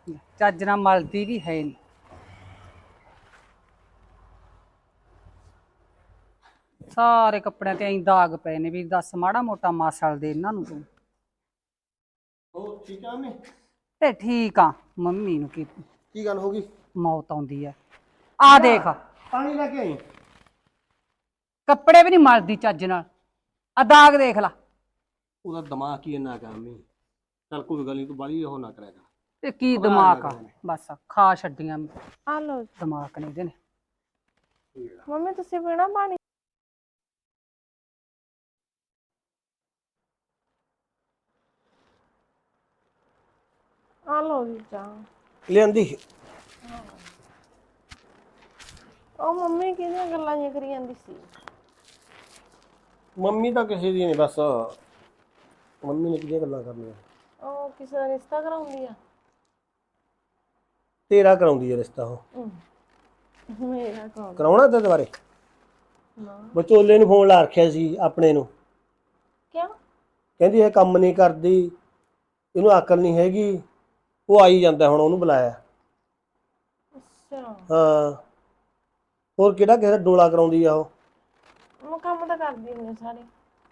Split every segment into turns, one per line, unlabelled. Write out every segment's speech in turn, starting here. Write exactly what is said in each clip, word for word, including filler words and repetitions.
ਚੱਜ ਨਾਲ ਮਲਦੀ ਵੀ ਹੈ ਨਹੀਂ। ਸਾਰੇ ਕੱਪੜਿਆਂ ਤੇ ਐਂ ਦਾਗ ਪਏ ਨੇ ਵੀ ਦੱਸ ਮਾੜਾ ਮੋਟਾ ਮਾਸਲ ਦੇ ਇਹਨਾਂ ਨੂੰ ਤੂੰ।
ਹੋਰ ਠੀਕ ਆ ਮੈਂ
ਤੇ ਠੀਕ ਆ। ਮੰਮੀ ਨੂੰ ਕੀ
ਕੀ ਗੱਲ ਹੋ ਗਈ?
ਮੌਤ ਆਉਂਦੀ ਐ। ਆ ਦੇਖ
ਪਾਣੀ ਲੈ ਕੇ ਆਈ।
ਕੱਪੜੇ ਵੀ ਨਹੀਂ ਮਲਦੀ ਚੱਜ ਨਾਲ। ਆ ਦਾਗ ਦੇਖ ਲਾ।
ਉਹਦਾ ਦਿਮਾਗ ਹੀ ਇੰਨਾ ਕੰਮ ਹੀ। ਚੱਲ ਕੋਈ ਗੱਲ ਨਹੀਂ, ਤੂੰ ਬਾਲੀ ਉਹ ਨਾ ਕਰਿਆ ਕਰ।
ਤੇ ਕੀ ਦਿਮਾਗ ਆ, ਬਸ ਖਾ ਛੱਡੀਆਂ
ਆ ਲੋ
ਦਿਮਾਗ ਨੇ ਇਹਦੇ ਨੇ।
ਮੰਮੀ ਤੁਸੀਂ ਪੀਣਾ ਪਾਣੀ? ਆ ਲੋ ਜੀ ਚਾਹ
ਲਿਆਂਦੀ।
ਉਹ ਮੰਮੀ ਕਿਹਦੀਆਂ ਗੱਲਾਂ ਜਿਹੀਆਂ ਕਰੀ ਜਾਂਦੀ ਸੀ?
ਮੰਮੀ ਤਾਂ ਕਿਸੇ ਦੀ ਨਹੀਂ, ਬਸ ਮੰਮੀ ਨੇ ਕਿਹਦੀਆਂ ਗੱਲਾਂ ਕਰਨੀਆਂ।
ਉਹ ਕਿਸੇ ਦਾ ਰਿਸ਼ਤਾ ਕਰਾਉਂਦੀ ਆ?
ਤੇਰਾ ਕਰਾਉਂਦੀ ਹੈ ਰਿਸ਼ਤਾ ਉਹ।
ਮੇਰਾ ਕੌਣ?
ਕਰਾਉਣਾ ਤੇ ਦੁਬਾਰੇ?
ਨਾ।
ਵਿਚੋਲੇ ਨੂੰ ਫੋਨ ਲਾ ਰੱਖਿਆ ਸੀ ਆਪਣੇ ਨੂੰ।
ਕਿਉਂ?
ਕਹਿੰਦੀ ਇਹ ਕੰਮ ਨਹੀਂ ਕਰਦੀ, ਇਹਨੂੰ ਅਕਲ ਨਹੀਂ ਹੈਗੀ। ਉਹ ਆਈ ਜਾਂਦਾ, ਹੁਣ ਉਹਨੂੰ ਬੁਲਾਇਆ।
ਅੱਛਾ।
ਹਾਂ, ਹੋਰ ਕਿਹੜਾ ਕਿਸੇ ਦਾ ਡੋਲਾ ਕਰਾਉਂਦੀ ਆ ਉਹ।
ਮੈਂ ਕੰਮ ਤਾਂ ਕਰਦੀ ਹੁੰਦੀ ਸਾਰੇ।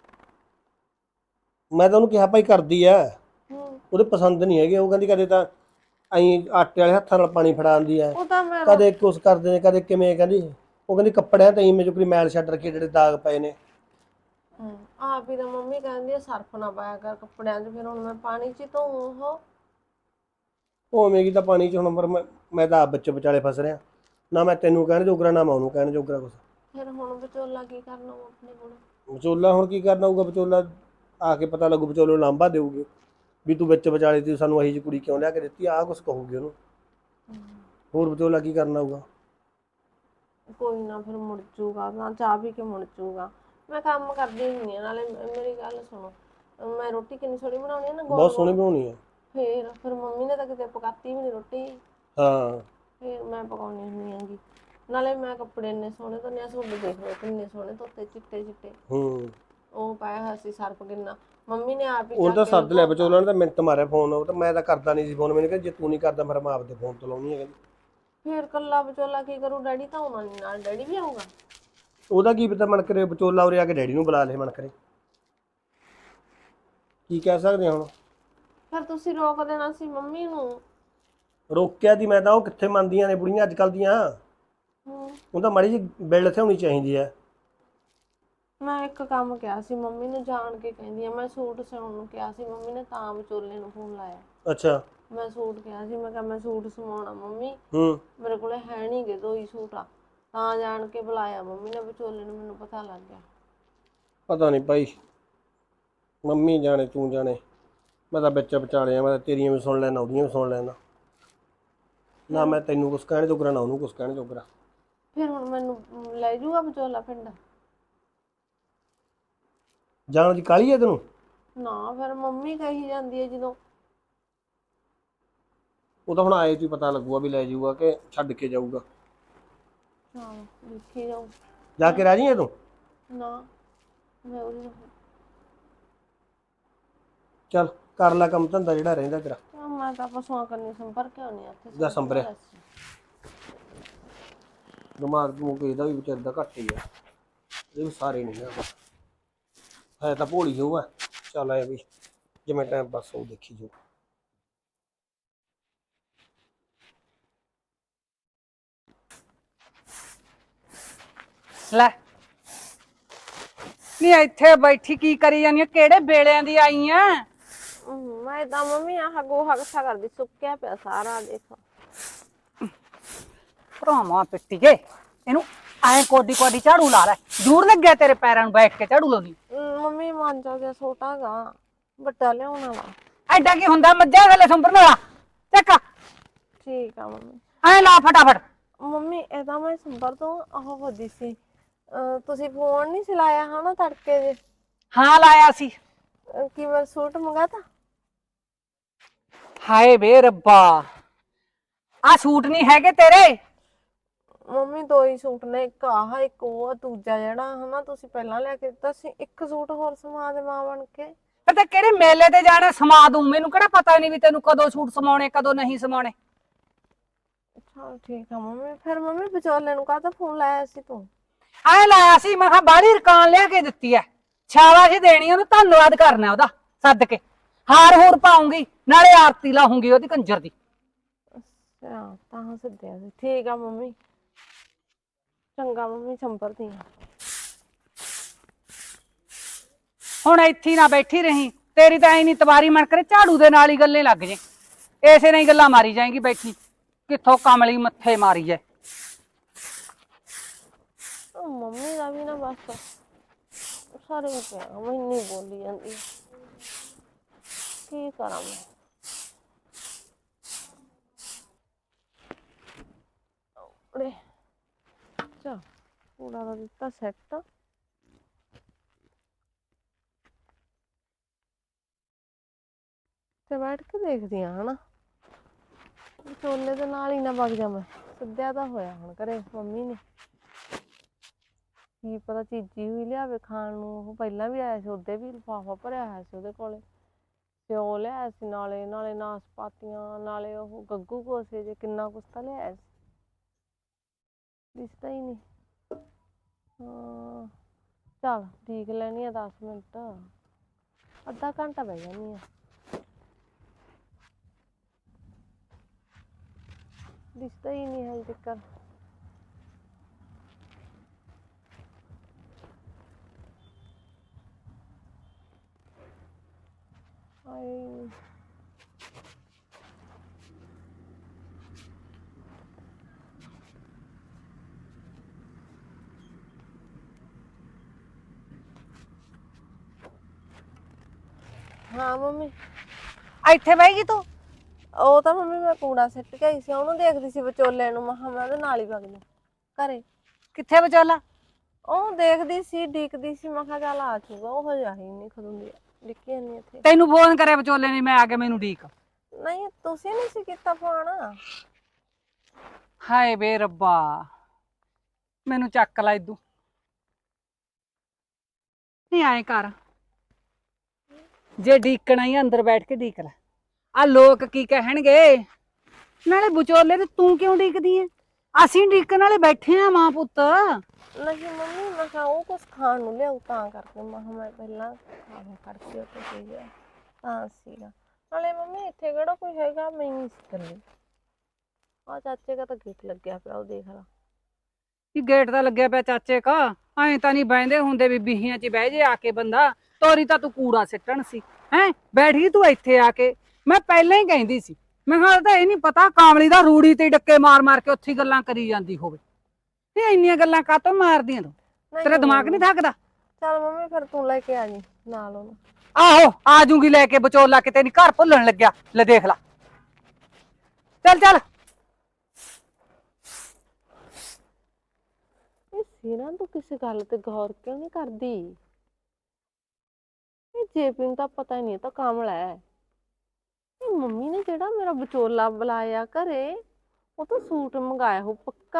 ਮੈਂ ਤਾਂ ਉਹਨੂੰ ਕਿਹਾ ਭਾਈ ਕਰਦੀ ਆ,
ਹੂੰ।
ਉਹਦੇ ਪਸੰਦ ਨਹੀਂ ਹੈਗੇ। ਉਹ ਕਹਿੰਦੀ ਕਦੇ ਤਾਂ ਐਂ ਆਟੇ ਵਾਲੇ ਹੱਥਾਂ ਨਾਲ ਪਾਣੀ ਫੜਾਉਂਦੀ ਆ,
ਉਹ ਤਾਂ ਮੈਂ
ਕਦੇ ਕੁਛ ਕਰਦੇ ਨੇ, ਕਦੇ ਕਿਵੇਂ। ਕਹਿੰਦੀ ਉਹ ਕਹਿੰਦੀ ਕੱਪੜਿਆਂ ਤੇ ਮੇਰੇ ਕੋਈ ਮੈਲ ਛੱਡ ਰੱਖੀ, ਜਿਹੜੇ ਦਾਗ ਪਏ ਨੇ।
ਹੂੰ ਆਪ ਹੀ ਤਾਂ ਮੰਮੀ ਕਹਿੰਦੀ ਆ ਸਰਫ ਨਾ ਪਾਇਆ ਕਰ ਕੱਪੜਿਆਂ 'ਚ, ਫਿਰ ਹੁਣ ਮੈਂ ਪਾਣੀ 'ਚ ਧੋ ਉਹ
ਉਵੇਂ ਕੀ ਤਾਂ ਪਾਣੀ 'ਚ ਹੁਣ, ਪਰ ਮੈਂ ਮੈਂ ਤਾਂ ਆਪ ਵਿੱਚ ਵਿਚਾਲੇ ਫਸ ਰਿਹਾ। ਨਾ ਮੈਂ ਤੈਨੂੰ ਕਹਿਣ ਜੋਗਰਾ, ਨਾ ਮੈਂ ਉਹਨੂੰ ਕਹਿਣ ਜੋਗਰਾ ਕੁਛ।
ਫਿਰ ਹੁਣ ਵਿਚੋਲਾ ਕੀ ਕਰਨਾ ਉਹ ਆਪਣੇ ਕੋਲ?
ਵਿਚੋਲਾ ਹੁਣ ਕੀ ਕਰਨਾ ਹੋਊਗਾ? ਵਿਚੋਲਾ ਆ ਕੇ ਪਤਾ ਲੱਗੂ, ਵਿਚੋਲੇ ਨੂੰ ਲਾਂਭਾ ਦੇਊਗੀ ਵੀ ਤੂੰ ਵਿੱਚ ਵਿਚਾਲੇ ਤੀ, ਸਾਨੂੰ ਇਹੀ ਜਿਹੀ ਕੁੜੀ ਕਿਉਂ ਲਿਆ ਕੇ ਦਿੱਤੀ, ਆਹ ਕੁਛ ਕਹੂਗੀ ਉਹਨੂੰ। ਹੋਰ ਵਿਚੋਲਾ ਕੀ ਕਰਨਾ ਹੋਊਗਾ?
ਕੋਈ ਨਾ, ਫਿਰ ਮੁੜ ਜੂਗਾ ਨਾ, ਚਾਹ ਪੀ ਕੇ ਮੁੜ ਜੂਗਾ। ਮੈਂ ਕੰਮ ਕਰਦੀ ਹੁੰਦੀ ਆ। ਨਾਲੇ ਮੇਰੀ ਗੱਲ ਸੁਣੋ, ਮੈਂ ਰੋਟੀ ਕਿੰਨੀ ਸੋਹਣੀ ਬਣਾਉਣੀ ਆ ਨਾ,
ਬਹੁਤ ਸੋਹਣੀ ਬਣਾਉਣੀ ਆ।
ਫੇਰ ਫਿਰ ਮੰਮੀ ਨੇ ਤਾਂ ਕਿਤੇ ਪਕਾਤੀ ਵੀ ਨਹੀਂ ਰੋਟੀ।
ਹਾਂ,
ਫਿਰ ਮੈਂ ਪਕਾਉਣੀ ਹੁੰਦੀ ਆਂਗੀ। ਨਾਲੇ ਮੈਂ ਕੱਪੜੇ ਇੰਨੇ ਸੋਹਣੇ ਧੋਨੇ ਆ, ਤੁਹਾਡੇ ਦੇਖ ਲਓ ਕਿੰਨੇ ਸੋਹਣੇ ਧੋਤੇ, ਚਿੱਟੇ ਚਿੱਟੇ।
ਹੂੰ।
ਉਹ ਪਾਇਆ ਹੋਇਆ ਸੀ ਸਰਫ ਕਿੰਨਾ, ਮੰਮੀ ਨੇ ਆਪ ਹੀ
ਉਹ ਤਾਂ
ਚੱਕ ਕੇ
ਸੱਦ ਲਿਆ ਵਿਚੋਲਾ ਨੇ, ਤਾਂ ਮਿੰਟ ਮਾਰਿਆ ਫੋਨ। ਉਹ ਤਾਂ ਮੈਂ ਤਾਂ ਕਰਦਾ ਨਹੀਂ ਸੀ ਫੋਨ। ਮੈਨੂੰ ਕਹਿੰਦਾ ਜੇ ਤੂੰ ਨਹੀਂ ਕਰਦਾ ਫਿਰ ਮੈਂ ਆਪਦੇ ਫੋਨ ਤੋਂ ਲਾਉਣੀ ਹੈ।
ਫਿਰ ਕੱਲਾ ਵਿਚੋਲਾ ਕੀ ਕਰੂ? ਡੈਡੀ ਤਾਂ ਆਉਣਾ ਨਹੀਂ ਨਾਲ, ਡੈਡੀ ਵੀ ਆਊਗਾ।
ਉਹਦਾ ਕੀ ਪਤਾ ਮਨ ਕਰੇ ਵਿਚੋਲਾ ਉਰੇ ਆ ਕੇ ਡੈਡੀ ਨੂੰ ਬੁਲਾ ਲੇ, ਮਨ ਕਰੇ। ਕੀ ਕਹਿ ਸਕਦੇ ਹੁਣ?
ਫਿਰ ਤੁਸੀਂ ਰੋਕ ਦੇਣਾ ਸੀ ਮੰਮੀ ਨੂੰ।
ਰੋਕਿਆ ਦੀ ਮੈਂ ਤਾਂ, ਉਹ ਕਿੱਥੇ ਮੰਨਦੀਆਂ ਨੇ ਬੁੜੀਆਂ ਅੱਜ ਕੱਲ੍ਹ ਦੀਆਂ।
ਹੂੰ।
ਉਹ ਤਾਂ ਮਾੜੀ ਜਿਹੀ ਬਿੱਲ ਇੱਥੇ ਹੋਣੀ ਚਾਹੀਦੀ ਹੈ।
ਮੈਂ ਇੱਕ ਕੰਮ ਕਿਹਾ ਸੀ ਮੰਮੀ ਨੂੰ, ਜਾਣ ਕੇ ਕਹਿੰਦੀ ਆ। ਮੈਂ ਸੂਟ ਸਿਉਣ ਨੂੰ ਕਿਹਾ ਸੀ ਮੰਮੀ ਨੇ, ਤਾਂ ਵਿਚੋਲੇ ਨੂੰ ਫੋਨ ਲਾਇਆ।
ਅੱਛਾ।
ਮੈਂ ਸੂਟ ਕਿਹਾ ਸੀ, ਮੈਂ ਕਿਹਾ ਮੈਂ ਸੂਟ ਸਵਾਉਣਾ ਮੰਮੀ,
ਹੂੰ।
ਮੇਰੇ ਕੋਲੇ ਹੈ ਨਹੀਂ ਗੇ, ਦੋ ਹੀ ਸੂਟ ਆ। ਤਾਂ ਜਾਣ ਕੇ ਬੁਲਾਇਆ ਮੰਮੀ ਨੇ ਵਿਚੋਲੇ ਨੂੰ, ਮੈਨੂੰ ਪਤਾ ਲੱਗ ਗਿਆ।
ਪਤਾ ਨਹੀਂ ਭਾਈ, ਮੰਮੀ ਜਾਣੇ ਤੂੰ ਜਾਣੇ। ਮੈਂ ਤਾਂ ਵਿੱਚ ਵਿਚਾਲੇ ਆ। ਮੈਂ ਤਾਂ ਤੇਰੀਆਂ ਵੀ ਸੁਣ ਲੈਣਾ, ਉਹਦੀਆਂ ਵੀ ਸੁਣ ਲੈਣਾ। ਨਾ ਮੈਂ ਤੈਨੂੰ ਕੁਛ ਕਹਿਣ ਜੋਗਰਾ, ਨਾ ਉਹਨੂੰ ਕੁਛ ਕਹਿਣ ਜੋਗਰਾ।
ਫਿਰ ਹੁਣ ਮੈਨੂੰ ਲੈ ਜੂਗਾ ਵਿਚੋਲਾ ਪਿੰਡ?
ਜਾਣ ਦੀ ਕਾਹਲੀ ਹੈ ਤੈਨੂੰ?
ਨਾ, ਫਿਰ ਮੰਮੀ ਕਹੀ ਜਾਂਦੀ ਹੈ ਜਦੋਂ।
ਉਹ ਤਾਂ ਹੁਣ ਆਏ ਤੋਂ ਹੀ ਪਤਾ ਲੱਗੂਗਾ ਵੀ ਲੈ ਜਾਊਗਾ ਕਿ ਛੱਡ ਕੇ ਜਾਊਗਾ।
ਹਾਂ, ਦੇਖੀ ਜਾਊ।
ਜਾ ਕੇ ਰਾਜੀ ਹੈ ਤੂੰ?
ਨਾ, ਮੈਂ ਉਹਦੀ
ਚੱਲ ਕਰ ਲੈ ਕੰਮ ਧੰਦਾ ਜਿਹੜਾ ਰਹਿੰਦਾ ਤੇਰਾ।
ਮੈਂ ਤਾਂ ਪਸ਼ੂਆਂ ਕੰਨੀ ਸੰਪਰਕ ਆਉਣੀ ਆ ਇੱਥੇ।
ਜਾ ਸੰਭਰਿਆ ਦਿਮਾਗ ਦਮੂਗ ਇਹਦਾ ਵੀ ਵਿਚਾਰ ਦਾ ਘੱਟ ਹੀ ਆ। ਇਹ ਵੀ ਸਾਰੇ ਨਹੀਂ ਆ, ਹੈ ਤਾਂ ਭੋਲੀ ਹੋਊ ਆ। ਚੱਲ ਆਇਆ ਵੀ ਜਿਵੇਂ ਟਾਈਮ ਪਾਸ ਉਹ ਦੇਖੀ ਜਾਊ।
ਲੈ ਨੀ ਇੱਥੇ ਬੈਠੀ ਕੀ ਕਰੀ ਜਾਂਦੀ ਆ? ਕਿਹੜੇ ਵੇਲਿਆਂ ਦੀ ਆਈ ਆ?
ਮੈਂ ਤਾਂ ਮੰਮੀ ਆਹ ਗੋਹਾ ਇਕੱਠਾ ਕਰਦੀ, ਸੁੱਕਿਆ ਪਿਆ ਸਾਰਾ, ਦੇਖੋ।
ਭਰਾਵਾਂ ਪਿੱਟੀਏ ਇਹਨੂੰ, ਐਂ ਕੋਡੀ ਕੋਡੀ ਝਾੜੂ ਲਾ ਲੈ। ਦੂਰ ਲੱਗਿਆ ਤੇਰੇ ਪੈਰਾਂ ਨੂੰ ਬੈਠ ਕੇ ਝਾੜੂ ਲਾਉਣੀ।
ਮੰਮੀ ਮਾਂਜਾ ਗਿਆ ਛੋਟਾ ਗਾ, ਵੱਡਾ ਲਿਆਉਣਾ ਵਾ।
ਐਡਾ ਕੀ ਹੁੰਦਾ? ਮੱਝਾਂ ਥੱਲੇ ਸੰਭਰ ਵਾਲਾ ਚੱਕ।
ਠੀਕ ਆ ਮੰਮੀ।
ਐਂ ਲਾ ਫਟਾਫਟ।
ਮੰਮੀ ਇਹਦਾ ਮੈਂ ਸੰਭਰ ਤੋਂ ਉਹ ਵਧੀ ਸੀ, ਤੁਸੀਂ ਫੋਨ ਨਹੀਂ ਚਲਾਇਆ ਹਨਾ ਤੜਕੇ ਜੇ?
ਹਾਂ ਲਾਇਆ ਸੀ।
ਕੀ ਮੈਂ ਸੂਟ ਮੰਗਾਤਾ?
ਹਾਏ ਵੇ ਰੱਬਾ, ਆ ਸੂਟ ਨਹੀਂ ਹੈਗੇ ਤੇਰੇ?
ਮੰਮੀ ਦੋ ਹੀ ਸੂਟ ਨੇ, ਇੱਕ ਆਹ ਇੱਕ ਉਹ, ਦੂਜਾ ਜਿਹੜਾ ਹਨਾ ਤੁਸੀਂ ਪਹਿਲਾਂ ਲਿਆ ਕੇ ਦਿੱਤਾ ਸੀ। ਇੱਕ ਸੂਟ ਹੋਰ ਸਮਾ ਦੇ ਮਾਂ ਬਣ ਕੇ।
ਤੇ ਕਿਹੜੇ ਮੇਲੇ ਤੇ ਜਾਣਾ ਸਮਾ ਦੂੰ? ਮੈਨੂੰ ਕਿਹੜਾ ਪਤਾ ਨਹੀਂ ਵੀ ਤੈਨੂੰ ਕਦੋਂ ਸੂਟ ਸਮਾਉਣੇ ਕਦੋਂ ਨਹੀਂ ਸਮਾਉਣੇ।
ਚਲ ਠੀਕ ਆ ਮੰਮੀ। ਫਿਰ ਮੰਮੀ ਵਿਚੋਲੇ ਨੂੰ ਕਾਹਦਾ ਫੋਨ ਲਾਇਆ ਸੀ ਤੂੰ?
ਐ ਲਾਇਆ ਸੀ ਮੈਂ ਕਿਹਾ ਬਾਹਲੀ ਰਕਾਨ ਲਿਆ ਕੇ ਦਿੱਤੀ ਐ, ਸ਼ਾਬਾਸ਼ ਦੇਣੀ ਉਹਨੂੰ, ਧੰਨਵਾਦ ਕਰਨਾ ਉਹਦਾ ਸੱਦ ਕੇ। ਹਾਰ ਹੂਰ ਪਾਉਂਗੀ ਨਾਲੇ ਆਰਤੀ ਲਾਹੂੰਗੀ ਉਹਦੀ ਕੰਜਰ ਦੀ।
ਅੱਛਾ ਤਾਂ ਸੱਦਿਆ ਸੀ, ਠੀਕ ਆ ਮੰਮੀ। ਚੰਗਾ ਮੰਮੀ, ਸੰਭਰਦੀ ਆ।
ਹੁਣ ਇੱਥੇ ਨਾ ਬੈਠੀ ਰਹੀ, ਤੇਰੀ ਤਾਂ ਐ ਨੀ ਤਵਾਰੀ ਮਨ ਕਰੇ ਝਾੜੂ ਦੇ ਨਾਲ ਹੀ ਗੱਲੇ ਲੱਗ ਜੇ, ਇਸੇ ਨਾਲ ਹੀ ਗੱਲਾਂ ਮਾਰੀ ਜਾਏਗੀ ਬੈਠੀ, ਕਿੱਥੋਂ ਕਮਲੀ ਮੱਥੇ ਮਾਰੀ ਜਾਏ।
ਮੰਮੀ ਦਾ ਵੀ ਨਾ ਬਸ ਸਾਰੇ ਪਿਆ ਮੈਨੂੰ ਬੋਲੀ ਜਾਂਦੀ, ਕੀ ਕਰਾਂ ਮੈਂ। ਅਰੇ ਚਾ ਕੂੜਾ ਦਾ ਦਿੱਤਾ ਸੈੱਟ, ਤੇ ਬੈਠ ਕੇ ਦੇਖਦੀ ਆ ਹਨਾ, ਵਿਚੋਲੇ ਦੇ ਨਾਲ ਹੀ ਨਾ ਵਗ ਜਾ ਮੈਂ। ਸੱਦਿਆ ਤਾਂ ਹੋਇਆ ਹੁਣ ਘਰੇ ਮੰਮੀ ਨੇ, ਕੀ ਪਤਾ ਚੀਜੀ ਹੋਈ ਲਿਆਵੇ ਖਾਣ ਨੂੰ। ਉਹ ਪਹਿਲਾਂ ਵੀ ਆਇਆ ਸੀ, ਉਹਦੇ ਵੀ ਲਿਫਾਫਾ ਭਰਿਆ ਹੋਇਆ ਸੀ ਉਹਦੇ ਕੋਲੇ, ਸਿਓ ਲਿਆਇਆ ਸੀ, ਨਾਲੇ ਨਾਲੇ ਨਾਸਪਾਤੀਆਂ, ਨਾਲੇ ਉਹ ਗੱਗੂ ਕੋਸੇ ਜੇ, ਕਿੰਨਾ ਕੁਛ ਤਾਂ ਲਿਆਇਆ ਸੀ, ਦਿਸਦਾ ਹੀ ਨਹੀਂ। ਹਾਂ ਚੱਲ ਦੇਖ ਲੈਣੀ ਆ ਦਸ ਮਿੰਟ, ਅੱਧਾ ਘੰਟਾ ਬਹਿ ਜਾਂਦੀ ਆ, ਦਿਸਦਾ ਹੀ ਨਹੀਂ ਹਜੇ ਤੱਕ। ਹਾਏ ਹਾਂ ਮੰਮੀ।
ਇੱਥੇ ਬਹਿਗੀ ਤੂੰ?
ਉਹ ਤਾਂ ਮੰਮੀ ਮੈਂ ਕੂੜਾ ਸਿੱਟ ਕੇ ਆਈ ਸੀ, ਉਹਨੂੰ ਦੇਖਦੀ ਸੀ ਵਿਚੋਲੇ ਨੂੰ, ਮਹਾਂ ਮੈਂ ਉਹਦੇ ਨਾਲ ਹੀ ਵਗ ਜਾ ਘਰੇ।
ਕਿੱਥੇ ਵਿਚੋਲਾ?
ਉਹ ਦੇਖਦੀ ਸੀ, ਡੀਕਦੀ ਸੀ, ਮੈਂ ਕਿਹਾ ਚੱਲ ਆ ਜਾਊਗਾ, ਉਹ ਹਜੇ ਆਈ ਨਹੀਂ ਖੜੂੰਦੀ, ਡਿੱਕੀ ਜਾਂਦੀ ਇੱਥੇ।
ਤੈਨੂੰ ਫੋਨ ਕਰਿਆ ਵਿਚੋਲੇ ਨੇ, ਮੈਂ ਆ ਕੇ ਮੈਨੂੰ ਡੀਕ?
ਨਹੀਂ ਤੁਸੀਂ ਨਹੀਂ ਸੀ ਕੀਤਾ ਫੋਨ।
ਹਾਏ ਬੇ ਰੱਬਾ, ਮੈਨੂੰ ਚੱਕ ਲਾ ਇਦੂ। ਨਹੀਂ ਆਏ ਕਰ, ਜੇ ਡੀਕਣਾ ਹੀ ਅੰਦਰ ਬੈਠ ਕੇ ਡੀਕ ਲੈ, ਆ ਲੋਕ ਕੀ ਕਹਿਣਗੇ। ਨਾਲੇ ਵਿਚੋਲੇ ਤੇ ਤੂੰ ਕਿਉਂ ਡੀਕਦੀ ਐ? ਅਸੀਂ ਡੀਕਣ ਵਾਲੇ ਬੈਠੇ ਆ ਮਾਂ ਪੁੱਤ।
ਨਹੀਂ ਮੰਮੀ ਮੈਂ ਕਿਹਾ ਉਹ ਕੁਛ ਖਾਣ ਨੂੰ ਲਿਆਉ, ਤਾਂ ਕਰਕੇ ਮੈਂ ਕਿਹਾ ਮੈਂ ਪਹਿਲਾਂ ਖਾਣ ਕਰਕੇ ਉੱਥੇ ਗਈ ਆ ਤਾਂ ਸੀਗਾ। ਨਾਲੇ ਮੰਮੀ ਇੱਥੇ ਕਿਹੜਾ ਕੋਈ ਹੈਗਾ, ਮੈਂ ਹੀ ਸੀ ਇਕੱਲੀ। ਆ ਚਾਚੇ ਦਾ ਤਾਂ ਗੇਟ ਲੱਗਿਆ ਪਿਆ, ਉਹ ਦੇਖ ਲਾ।
ਕੀ ਗੇਟ ਤਾਂ ਲੱਗਿਆ ਪਿਆ ਚਾਚੇ ਕਾ? ਐਂ ਤਾਂ ਨਹੀਂ ਬਹਿੰਦੇ ਹੁੰਦੇ ਵੀ ਬੀਹੀਆਂ 'ਚ ਬਹਿ ਜੇ ਆ ਕੇ ਬੰਦਾ। ਤੋਰੀ ਤਾਂ ਤੂੰ ਕੂੜਾ ਸਿੱਟਣ ਸੀ, ਹੈਂ ਬੈਠ ਗਈ ਤੂੰ ਇੱਥੇ ਆ ਕੇ। ਮੈਂ ਪਹਿਲਾਂ ਹੀ ਕਹਿੰਦੀ ਸੀ, ਮੈਂ ਕਿਹਾ ਤਾਂ ਇਹ ਨਹੀਂ ਪਤਾ ਕਾਮਲੀ ਦਾ ਰੂੜੀ ਤੇ ਡੱਕੇ ਮਾਰ ਮਾਰ ਕੇ ਉੱਥੇ ਗੱਲਾਂ ਕਰੀ ਜਾਂਦੀ ਹੋਵੇ। ਇਹ ਇੰਨੀਆਂ ਗੱਲਾਂ ਕਾਹਤੋਂ ਮਾਰਦੀਆਂ ਤੂੰ? ਤੇਰਾ ਦਿਮਾਗ ਨਹੀਂ ਥੱਕਦਾ?
ਚੱਲ ਮੰਮੀ ਫਿਰ ਤੂੰ ਲੈ ਕੇ ਆ ਜੀ ਨਾਲ ਉਹਨੂੰ।
ਆਹੋ ਆ ਜੂਗੀ ਲੈ ਕੇ, ਵਿਚੋਲਾ ਕਿਤੇ ਨੀ ਘਰ ਭੁੱਲਣ ਲੱਗਿਆ। ਲੈ ਦੇਖ ਲਾ, ਚੱਲ ਚੱਲ।
ਇਹ ਸੀਨਾ ਤੂੰ ਕਿਸੇ ਗੱਲ ਤੇ ਗੌਰ ਕਿਉਂ ਨਹੀਂ ਕਰਦੀ? ਇਹ ਜੇਪੀ ਨੂੰ ਤਾਂ ਪਤਾ ਹੀ ਨਹੀਂ, ਤਾਂ ਕਾਮਲ ਹੈ। ਇਹ ਮੰਮੀ ਨੇ ਜਿਹੜਾ ਮੇਰਾ ਵਿਚੋਲਾ ਬੁਲਾਇਆ ਘਰੇ, ਉਹ ਤਾਂ ਸੂਟ ਮੰਗਾਇਆ ਹੋ ਪੱਕਾ।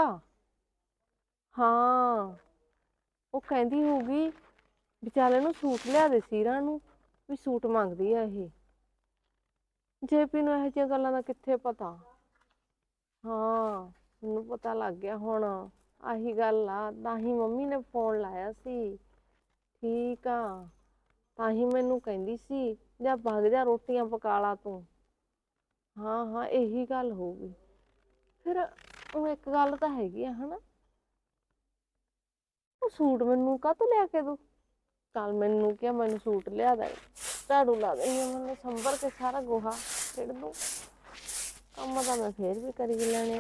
ਹਾਂ ਉਹ ਕਹਿੰਦੀ ਹੋਊਗੀ ਵਿਚਾਲੇ ਨੂੰ ਸੂਟ ਲਿਆ ਦੇ ਸੀਰਾਂ ਨੂੰ, ਵੀ ਸੂਟ ਮੰਗਦੀ ਆ ਇਹ। ਜੇਪੀ ਨੂੰ ਇਹੋ ਜਿਹੀਆਂ ਗੱਲਾਂ ਦਾ ਕਿੱਥੇ ਪਤਾ। ਹਾਂ ਮੈਨੂੰ ਪਤਾ ਲੱਗ ਗਿਆ ਹੁਣ, ਆਹੀ ਗੱਲ ਆ, ਤਾਂ ਹੀ ਮੰਮੀ ਨੇ ਫੋਨ ਲਾਇਆ ਸੀ। ਠੀਕ ਆ, ਤਾਂ ਹੀ ਮੈਨੂੰ ਕਹਿੰਦੀ ਸੀ ਜਾਂ ਭੱਗ ਜਾ ਰੋਟੀਆਂ ਪਕਾ ਲਾ ਤੂੰ। ਹਾਂ ਹਾਂ ਇਹੀ ਗੱਲ ਹੋਊਗੀ। ਫਿਰ ਉਹ ਇੱਕ ਗੱਲ ਤਾਂ ਹੈਗੀ ਆ ਹਨਾ, ਉਹ ਸੂਟ ਮੈਨੂੰ ਕਾਹਤੋਂ ਲਿਆ ਕੇ ਦੂ? ਚੱਲ ਮੈਨੂੰ ਕਿਹਾ ਮੈਨੂੰ ਸੂਟ ਲਿਆ ਦੇ, ਝਾੜੂ ਲਾ ਦੇਣੀ ਆ, ਮੈਨੂੰ ਸੰਭਰ ਕੇ ਸਾਰਾ ਗੋਹਾ ਸਿੱਟ ਦੂੰ। ਕੰਮ ਤਾਂ ਮੈਂ ਫੇਰ ਵੀ ਕਰੀ ਲੈਣੇ ਆ।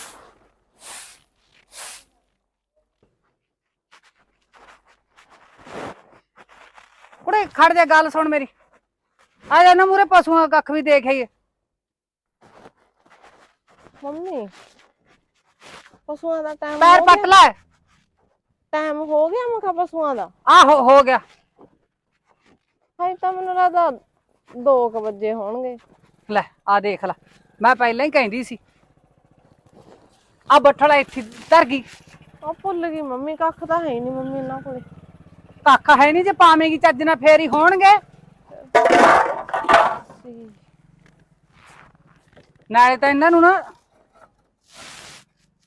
ਕੁੜੇ ਖੜ ਜਾ, ਗੱਲ ਸੁਣ ਮੇਰੀ। ਆ ਜਾ ਨਾ ਮੂਰੇ, ਪਸ਼ੂਆਂ ਦਾ ਕੱਖ ਵੀ ਦੇਖ ਆਈਏ।
ਮੰਮੀ ਪਸ਼ੂਆਂ ਦਾ ਟਾਈਮ
ਪੈਰ ਪੱਟ ਲੈ।
ਟਾਈਮ ਹੋ ਗਿਆ ਮੈਂ ਕਿਹਾ ਪਸ਼ੂਆਂ ਦਾ?
ਆਹੋ ਹੋ ਗਿਆ।
ਹਾਈ ਤਾਂ ਮੈਨੂੰ ਲੱਗਦਾ ਦੋ ਕੁ ਵਜੇ ਹੋਣਗੇ।
ਲੈ ਆ ਦੇਖ ਲੈ, ਮੈਂ ਪਹਿਲਾਂ ਹੀ ਕਹਿੰਦੀ ਸੀ। ਆ ਬੱਠਲ ਇੱਥੇ ਧਰ ਗਈ।
ਉਹ ਭੁੱਲ ਗਈ ਮੰਮੀ, ਕੱਖ ਤਾਂ ਹੈ ਨਹੀਂ ਮੰਮੀ ਇਹਨਾਂ ਕੋਲੇ।
ਕੱਖ ਹੈ ਨਹੀਂ, ਜੇ ਪਾਵੇਂਗੀ ਚੱਜ ਨਾਲ ਫੇਰ ਹੀ ਹੋਣਗੇ। ਨਾਲੇ ਤਾਂ ਇਹਨਾਂ ਨੂੰ ਨਾ